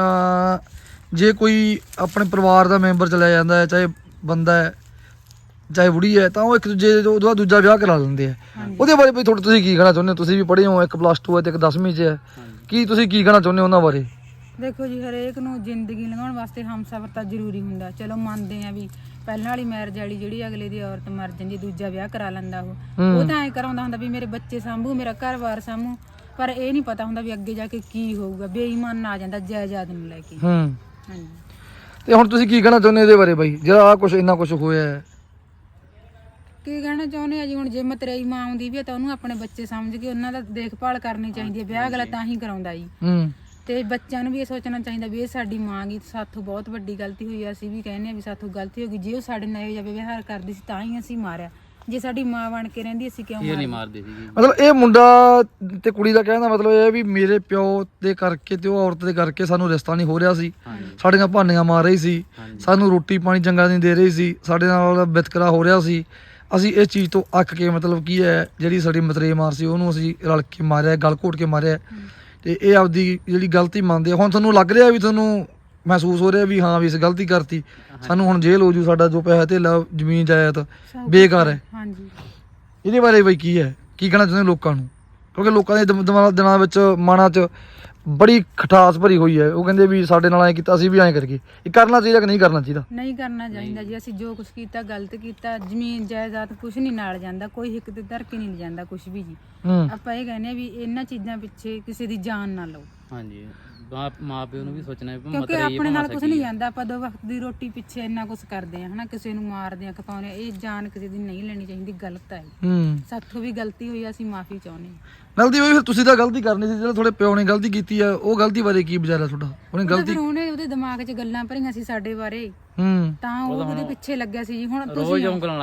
S3: ਜੇ ਕੋਈ ਆਪਣੇ ਪਰਿਵਾਰ ਦਾ ਮੈਂਬਰ ਚਲਾ ਜਾਂਦਾ ਹੈ, ਚਾਹੇ ਬੰਦਾ ਹੈ ਚਾਹੇ ਬੁੜੀ ਹੈ, ਤਾਂ ਉਹ ਇੱਕ ਦੂਜੇ ਉਹਦਾ ਦੂਜਾ ਵਿਆਹ ਕਰਾ ਲੈਂਦੇ ਆ। ਉਹਦੇ ਬਾਰੇ ਬਈ ਤੁਸੀਂ ਕੀ ਕਹਿਣਾ ਚਾਹੁੰਦੇ ਹੋ? ਤੁਸੀਂ ਵੀ ਪੜ੍ਹੇ ਹੋ, ਇੱਕ +2 ਹੈ ਤੇ ਇੱਕ 10ਵੀਂ 'ਚ ਹੈ, ਕੀ ਤੁਸੀਂ ਕੀ ਕਹਿਣਾ ਚਾਹੁੰਦੇ ਹੋ ਉਹਨਾਂ ਬਾਰੇ?
S1: ਦੇਖੋ ਜੀ, ਹਰੇਕ ਨੂੰ ਜ਼ਿੰਦਗੀ ਲੰਘਾਉਣ ਵਾਸਤੇ ਹਮਸਫਰ ਤਾਂ ਜ਼ਰੂਰੀ ਹੁੰਦਾ। ਚਲੋ ਮੰਨਦੇ ਆ ਵੀ ਪਹਿਲਾਂ ਵਾਲੀ ਮੈਰਿਜ ਵਾਲੀ ਜਿਹੜੀ ਅਗਲੇ ਦੀ ਔਰਤ ਮਰ ਜਾਂਦੀ, ਦੂਜਾ ਵਿਆਹ ਕਰਾ ਲੈਂਦਾ ਉਹ ਤਾਂ ਐਂ ਕਰਾਉਂਦਾ ਹੁੰਦਾ ਵੀ ਮੇਰੇ ਬੱਚੇ ਸਾਂਭੂ, ਮੇਰਾ ਘਰ-ਬਾਰ ਸਾਂਭੂ, ਪਰ ਇਹ ਨਹੀਂ ਪਤਾ ਹੁੰਦਾ ਵੀ ਅੱਗੇ ਜਾ ਕੇ ਕੀ ਹੋਊਗਾ। ਬੇਈਮਾਨ ਆ ਜਾਂਦਾ ਜਾਇਦਾਦ ਨੂੰ ਲੈ ਕੇ। ਹਾਂਜੀ।
S3: ਤੇ ਹੁਣ ਤੁਸੀਂ ਕੀ ਕਹਿਣਾ ਚਾਹੁੰਦੇ ਇਹਦੇ ਬਾਰੇ ਬਾਈ, ਜਿਹੜਾ ਆ ਕੁਝ ਇੰਨਾ ਕੁਝ ਹੋਇਆ ਹੈ?
S1: ਕੀ ਕਹਿਣਾ ਚਾਹੁੰਦੇ ਆ ਜੀ, ਹੁਣ ਜੇ ਮਤਰੇਈ ਮਾਂ ਆਉਂਦੀ ਵੀ ਹੈ ਤਾਂ ਉਹਨੂੰ ਆਪਣੇ ਬੱਚੇ ਸਮਝ ਕੇ ਉਹਨਾਂ ਦਾ ਦੇਖਭਾਲ ਕਰਨੀ ਚਾਹੀਦੀ ਹੈ। ਵਿਆਹ ਅਗਲਾ ਤਾਂ ਹੀ ਕਰਾਉਂਦਾ ਜੀ। ਤੇ ਬੱਚਿਆਂ ਨੂੰ ਵੀ ਇਹ ਸੋਚਣਾ ਚਾਹੀਦਾ ਵੀ ਇਹ ਸਾਡੀ ਮਾਂ ਗੀ, ਸਾਥੋਂ ਬਹੁਤ ਵੱਡੀ ਗਲਤੀ ਹੋਈ ਆ। ਅਸੀਂ ਵੀ ਕਹਿੰਦੇ ਆ ਵੀ ਸਾਥੋਂ ਗਲਤੀ ਹੋ ਗਈ, ਜੇ ਉਹ ਸਾਡੇ ਨਾਲ ਇਹੋ ਜਿਹਾ ਵਿਵਹਾਰ ਕਰਦੀ ਸੀ ਤਾਂ ਹੀ ਅਸੀਂ ਮਾਰਿਆ। ਜੇ ਸਾਡੀ ਮਾਂ ਬਣ ਕੇ ਰਹਿੰਦੀ ਅਸੀਂ ਕਿਉਂ
S2: ਨਹੀਂ ਮਾਰਦੇ ਸੀ?
S3: ਮਤਲਬ ਇਹ ਮੁੰਡਾ ਤੇ ਕੁੜੀ ਦਾ ਕਹਿਣ ਦਾ ਮਤਲਬ ਇਹ ਹੈ ਵੀ ਮੇਰੇ ਪਿਓ ਦੇ ਕਰਕੇ ਤੇ ਉਹ ਔਰਤ ਦੇ ਕਰਕੇ ਸਾਨੂੰ ਰਿਸ਼ਤਾ ਨਹੀਂ ਹੋ ਰਿਹਾ ਸੀ, ਸਾਡੀਆਂ ਭਾਨੀਆਂ ਮਾਰ ਰਹੀ ਸੀ, ਸਾਨੂੰ ਰੋਟੀ ਪਾਣੀ ਚੰਗਾ ਨਹੀਂ ਦੇ ਰਹੀ ਸੀ, ਸਾਡੇ ਨਾਲ ਵਿਤਕਰਾ ਹੋ ਰਿਹਾ ਸੀ, ਅਸੀਂ ਇਸ ਚੀਜ਼ ਤੋਂ ਅੱਕ ਕੇ ਮਤਲਬ ਕੀ ਹੈ ਜਿਹੜੀ ਸਾਡੀ ਮਤਰੇਈ ਮਾਰ ਸੀ ਉਹਨੂੰ ਅਸੀਂ ਰਲ ਕੇ ਮਾਰਿਆ, ਗਲ ਘੋਟ ਕੇ ਮਾਰਿਆ। ਤੇ ਇਹ ਆਪਦੀ ਜਿਹੜੀ ਗਲਤੀ ਮੰਨਦੇ ਆ। ਹੁਣ ਤੁਹਾਨੂੰ ਲੱਗ ਰਿਹਾ ਵੀ ਤੁਹਾਨੂੰ ਮਹਿਸੂਸ ਹੋ ਰਿਹਾ ਵੀ ਹਾਂ ਵੀ ਇਸ ਗਲਤੀ ਕਰਤੀ, ਸਾਨੂੰ ਹੁਣ ਜੇਲ੍ਹ ਹੋ ਜੂ, ਸਾਡਾ ਜੋ ਪੈਸਾ ਧੇਲਾ ਜ਼ਮੀਨ ਜਾਇਦਾਦ ਬੇਕਾਰ ਹੈ। ਇਹਦੇ ਬਾਰੇ ਬਈ ਕੀ ਹੈ, ਕੀ ਕਹਿਣਾ ਚਾਹੁੰਦੇ ਲੋਕਾਂ ਨੂੰ? ਕਿਉਂਕਿ ਲੋਕਾਂ ਦੇ ਦਿਨਾਂ ਵਿੱਚ ਮਨਾਂ 'ਚ ਬੜੀ ਖਟਾਸ ਭਰੀ ਹੋਈ ਹੈ। ਉਹ ਕਹਿੰਦੇ ਵੀ ਸਾਡੇ ਨਾਲ ਐਂ ਕੀਤਾ, ਅਸੀਂ ਵੀ ਐਂ ਕਰੀਏ। ਇਹ ਕਰਨਾ ਚਾਹੀਦਾ ਕਿ ਨਹੀਂ ਕਰਨਾ ਚਾਹੀਦਾ? ਨਹੀਂ
S1: ਕਰਨਾ ਚਾਹੀਦਾ ਜੀ। ਅਸੀਂ ਜੋ ਕੁਝ ਕੀਤਾ ਗਲਤ ਕੀਤਾ। ਜ਼ਮੀਨ ਜਾਇਦਾਦ ਕੁਝ ਨਹੀਂ ਨਾਲ ਜਾਂਦਾ, ਕੋਈ ਹਿੱਕ ਤੇ ਧਰ ਕੇ ਨਹੀਂ ਜਾਂਦਾ ਕੁਝ ਵੀ ਜੀ। ਆਪਾਂ ਇਹ ਕਹਿੰਦੇ ਆ ਵੀ ਇਹਨਾਂ ਚੀਜ਼ਾਂ ਪਿੱਛੇ ਕਿਸੇ ਦੀ ਜਾਨ ਨਾ ਲਓ। ਹਾਂਜੀ। ਮਾਂ ਪਿਓ ਨੂੰ ਵੀ ਸੋਚਣਾ ਵੀ ਕਿਉਂਕਿ ਆਪਣੇ ਨਾਲ ਕੁਝ ਨਹੀਂ ਜਾਂਦਾ। ਆਪਾਂ 2 ਵਕਤ ਦੀ ਰੋਟੀ ਪਿੱਛੇ ਇੰਨਾ ਕੁਝ ਕਰਦੇ ਆ ਹਨਾ, ਕਿਸੇ ਨੂੰ ਮਾਰਦੇ ਆ, ਖਪਾਉਂਦੇ ਆ। ਇਹ ਜਾਨ ਕਿਸੇ ਦੀ ਨਹੀਂ ਲੈਣੀ ਚਾਹੀਦੀ, ਗਲਤ ਹੈ। ਸਾਥੋਂ ਵੀ ਗਲਤੀ ਹੋਈ, ਅਸੀਂ ਮਾਫੀ ਚਾਹੁੰਦੇ ਹਾਂ।
S3: ਗਲਤੀ ਹੋਈ ਫਿਰ ਤੁਸੀਂ ਤਾਂ ਗਲਤੀ ਕਰਨੀ ਸੀ, ਜਿਹੜਾ ਤੁਹਾਡੇ ਪਿਓ ਨੇ ਗਲਤੀ ਕੀਤੀ ਆ ਉਹ ਗਲਤੀ ਬਾਰੇ ਕੀ ਵਿਚਾਰਾ ਤੁਹਾਡਾ?
S1: ਉਹਨੇ ਉਹਦੇ ਦਿਮਾਗ 'ਚ ਗੱਲਾਂ ਭਰੀਆਂ ਸੀ ਸਾਡੇ ਬਾਰੇ, ਤਾਂ ਉਹ ਉਹਦੇ ਪਿੱਛੇ ਲੱਗਿਆ ਸੀ ਜੀ। ਹੁਣ ਤੁਸੀਂ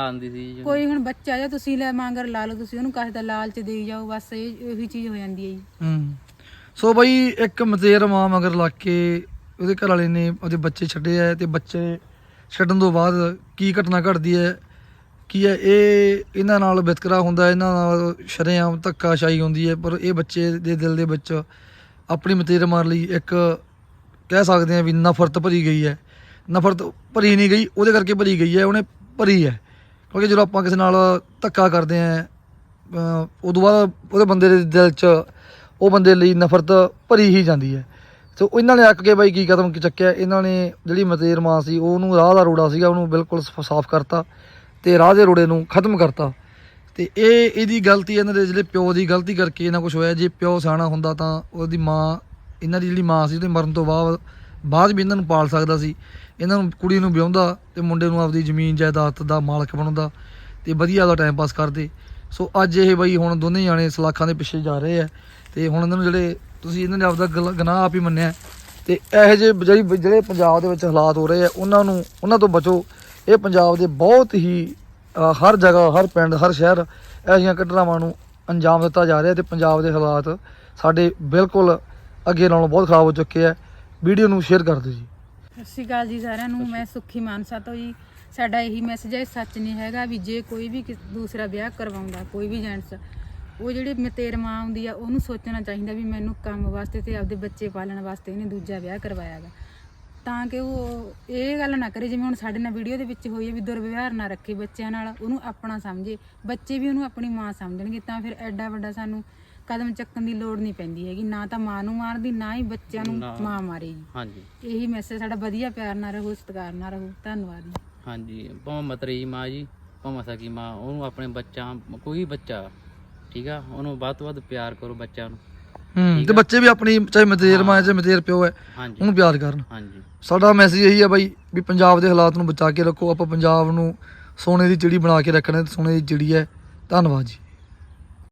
S1: ਕੋਈ ਹੁਣ ਬੱਚਾ ਜਾਂ ਤੁਸੀਂ ਲੈ ਮੰਗਰ ਲਾ ਲਓ, ਤੁਸੀਂ ਉਹਨੂੰ ਕਾਹੇ ਦਾ ਲਾਲਚ ਦੇਈ ਜਾਓ, ਬਸ ਇਹੀ ਚੀਜ਼ ਹੋ ਜਾਂਦੀ ਹੈ ਜੀ।
S3: ਸੋ ਬਈ ਇੱਕ ਮਤੇਰ ਮਾਂ ਮਗਰ ਲੱਗ ਕੇ ਉਹਦੇ ਘਰ ਵਾਲੇ ਨੇ ਉਹਦੇ ਬੱਚੇ ਛੱਡੇ ਆ, ਤੇ ਬੱਚੇ ਛੱਡਣ ਤੋਂ ਬਾਅਦ ਕੀ ਘਟਨਾ ਘਟਦੀ ਹੈ, ਕੀ ਹੈ ਇਹ ਇਹਨਾਂ ਨਾਲ ਵਿਤਕਰਾ ਹੁੰਦਾ, ਇਹਨਾਂ ਨਾਲ ਸ਼ਰੇਆਮ ਧੱਕਾਸ਼ਾਹੀ ਹੁੰਦੀ ਹੈ। ਪਰ ਇਹ ਬੱਚੇ ਦੇ ਦਿਲ ਦੇ ਵਿੱਚ ਆਪਣੀ ਮਤੇਰ ਮਾਰ ਲਈ ਇੱਕ ਕਹਿ ਸਕਦੇ ਆ ਵੀ ਨਫ਼ਰਤ ਭਰੀ ਗਈ ਹੈ। ਨਫ਼ਰਤ ਭਰੀ ਨਹੀਂ ਗਈ, ਉਹਦੇ ਕਰਕੇ ਭਰੀ ਗਈ ਹੈ, ਉਹਨੇ ਭਰੀ ਹੈ। ਕਿਉਂਕਿ ਜਦੋਂ ਆਪਾਂ ਕਿਸੇ ਨਾਲ ਧੱਕਾ ਕਰਦੇ ਹਾਂ ਉਦੋਂ ਬਾਅਦ ਉਹਦੇ ਬੰਦੇ ਦੇ ਦਿਲ 'ਚ ਉਹ ਬੰਦੇ ਲਈ ਨਫ਼ਰਤ ਭਰੀ ਹੀ ਜਾਂਦੀ ਹੈ। ਸੋ ਇਹਨਾਂ ਨੇ ਅੱਕ ਕੇ ਬਾਈ ਕੀ ਕਦਮ ਚੱਕਿਆ, ਇਹਨਾਂ ਨੇ ਜਿਹੜੀ ਮਤੇਰ ਮਾਂ ਸੀ ਉਹਨੂੰ ਰਾਹ ਦਾ ਰੋੜਾ ਸੀਗਾ ਉਹਨੂੰ ਬਿਲਕੁਲ ਸਾਫ਼ ਕਰਤਾ ਤੇ ਰਾਹ ਦੇ ਰੋੜੇ ਨੂੰ ਖਤਮ ਕਰਤਾ। ਤੇ ਇਹਦੀ ਗਲਤੀ, ਇਹਨਾਂ ਦੇ ਜਿਹੜੇ ਪਿਓ ਦੀ ਗਲਤੀ ਕਰਕੇ ਇਹਨਾਂ ਕੁਛ ਹੋਇਆ। ਜੇ ਪਿਓ ਸਿਆਣਾ ਹੁੰਦਾ ਤਾਂ ਉਹਦੀ ਮਾਂ, ਇਹਨਾਂ ਦੀ ਜਿਹੜੀ ਮਾਂ ਸੀ ਉਹਦੇ ਮਰਨ ਤੋਂ ਬਾਅਦ ਬਾਅਦ ਵੀ ਇਹਨਾਂ ਨੂੰ ਪਾਲ ਸਕਦਾ ਸੀ। ਇਹਨਾਂ ਨੂੰ ਕੁੜੀ ਨੂੰ ਵਿਆਹੁੰਦਾ ਤੇ ਮੁੰਡੇ ਨੂੰ ਆਪਦੀ ਜ਼ਮੀਨ ਜਾਇਦਾਦ ਦਾ ਮਾਲਕ ਬਣਾਉਂਦਾ ਤੇ ਵਧੀਆ ਉਹਦਾ ਟਾਈਮ ਪਾਸ ਕਰਦੇ। ਸੋ ਅੱਜ ਇਹ ਬਈ ਹੁਣ ਦੋਨੇ ਜਾਣੇ ਸਲਾਖਾਂ ਦੇ ਪਿੱਛੇ ਜਾ ਰਹੇ ਆ ਤੇ ਹੁਣ ਇਹਨਾਂ ਨੂੰ ਜਿਹੜੇ ਤੁਸੀਂ ਇਹਨਾਂ ਨੇ ਆਪਦਾ ਗੁਨਾਹ ਆਪ ਹੀ ਮੰਨਿਆ ਤੇ ਇਹੋ ਜਿਹੇ ਜਿਹੜੇ ਪੰਜਾਬ ਦੇ ਵਿੱਚ ਹਾਲਾਤ ਹੋ ਰਹੇ ਆ ਉਹਨਾਂ ਤੋਂ ਬਚੋ। ਇਹ ਪੰਜਾਬ ਦੇ ਬਹੁਤ ਹੀ ਹਰ ਜਗ੍ਹਾ, ਹਰ ਪਿੰਡ, ਹਰ ਸ਼ਹਿਰ ਇਹੋ ਜਿਹੀਆਂ ਘਟਨਾਵਾਂ ਨੂੰ ਅੰਜਾਮ ਦਿੱਤਾ ਜਾ ਰਿਹਾ ਤੇ ਪੰਜਾਬ ਦੇ ਹਾਲਾਤ ਸਾਡੇ ਬਿਲਕੁਲ ਅੱਗੇ ਨਾਲੋਂ ਬਹੁਤ ਖਰਾਬ ਹੋ ਚੁੱਕੇ ਆ। ਵੀਡੀਓ ਨੂੰ ਸ਼ੇਅਰ ਕਰ ਦਿਓ ਜੀ।
S1: ਸਤਿ ਸ਼੍ਰੀ ਅਕਾਲ ਜੀ ਸਾਰਿਆਂ ਨੂੰ। ਮੈਂ ਸੁੱਖੀ ਮਾਨਸਾ ਤੋਂ ਜੀ। ਸਾਡਾ ਇਹੀ ਮੈਸੇਜ ਹੈ, ਸੱਚ ਨਹੀਂ ਹੈਗਾ ਵੀ ਜੇ ਕੋਈ ਵੀ ਦੂਸਰਾ ਵਿਆਹ ਕਰਵਾਉਂਦਾ, ਕੋਈ ਵੀ ਜੈਂਟਸ, ਉਹ ਜਿਹੜੀ ਮਤੇਰ ਮਾਂ ਹੁੰਦੀ ਆ ਉਹਨੂੰ ਸੋਚਣਾ ਚਾਹੀਦਾ ਵੀ ਮੈਨੂੰ ਕੰਮ ਵਾਸਤੇ ਤੇ ਆਪਦੇ ਬੱਚੇ ਪਾਲਣ ਵਾਸਤੇ ਇਹਨੇ ਦੂਜਾ ਵਿਆਹ ਕਰਵਾਇਆ ਗਾ, ਤਾਂ ਕਿ ਉਹ ਇਹ ਗੱਲ ਨਾ ਕਰੇ ਜਿਵੇਂ ਹੁਣ ਸਾਡੇ ਨਾਲ ਵੀਡੀਓ ਦੇ ਵਿੱਚ ਹੋਈ ਹੈ ਵੀ ਦੁਰਵਿਵਹਾਰ ਨਾ ਰੱਖੇ ਬੱਚਿਆਂ ਨਾਲ, ਉਹਨੂੰ ਆਪਣਾ ਸਮਝੇ, ਬੱਚੇ ਵੀ ਉਹਨੂੰ ਆਪਣੀ ਮਾਂ ਸਮਝਣਗੇ, ਤਾਂ ਫਿਰ ਐਡਾ ਵੱਡਾ ਸਾਨੂੰ ਕਦਮ ਚੱਕਣ ਦੀ ਲੋੜ ਨਹੀਂ ਪੈਂਦੀ ਹੈਗੀ, ਨਾ ਤਾਂ ਮਾਂ ਨੂੰ ਮਾਰਦੀ, ਨਾ ਹੀ ਬੱਚਿਆਂ ਨੂੰ ਮਾਂ ਮਾਰੇਗੀ।
S2: ਹਾਂਜੀ
S1: ਇਹੀ ਮੈਸੇਜ ਸਾਡਾ। ਵਧੀਆ ਪਿਆਰ ਨਾਲ ਰਹੋ, ਸਤਿਕਾਰ ਨਾਲ ਰਹੋ। ਧੰਨਵਾਦ ਜੀ।
S2: ਹਾਂਜੀ, ਭਾਵੇਂ ਮਤਰੇਈ ਮਾਂ ਜੀ, ਭਾਵੇਂ ਸਕੀ ਮਾਂ, ਉਹਨੂੰ ਆਪਣੇ ਬੱਚਾ, ਕੋਈ ਬੱਚਾ ਠੀਕ ਆ, ਉਹਨੂੰ ਵੱਧ ਤੋਂ ਵੱਧ ਪਿਆਰ ਕਰੋ ਬੱਚਿਆਂ ਨੂੰ।
S3: ਤੇ ਬੱਚੇ ਵੀ ਆਪਣੀ ਚਾਹੇ ਮਤੇਰ ਮਾਂ ਚਾਹੇ ਮਤੇਰ ਪਿਓ ਹੈ
S2: ਹਾਂਜੀ
S3: ਉਹਨੂੰ ਪਿਆਰ ਕਰਨ।
S2: ਹਾਂਜੀ,
S3: ਸਾਡਾ ਮੈਸੇਜ ਇਹੀ ਹੈ ਬਾਈ ਵੀ ਪੰਜਾਬ ਦੇ ਹਾਲਾਤ ਨੂੰ ਬਚਾ ਕੇ ਰੱਖੋ। ਆਪਾਂ ਪੰਜਾਬ ਨੂੰ ਸੋਨੇ ਦੀ ਚਿੜੀ ਬਣਾ ਕੇ ਰੱਖਣਾ, ਸੋਨੇ ਦੀ ਚਿੜੀ ਹੈ। ਧੰਨਵਾਦ ਜੀ।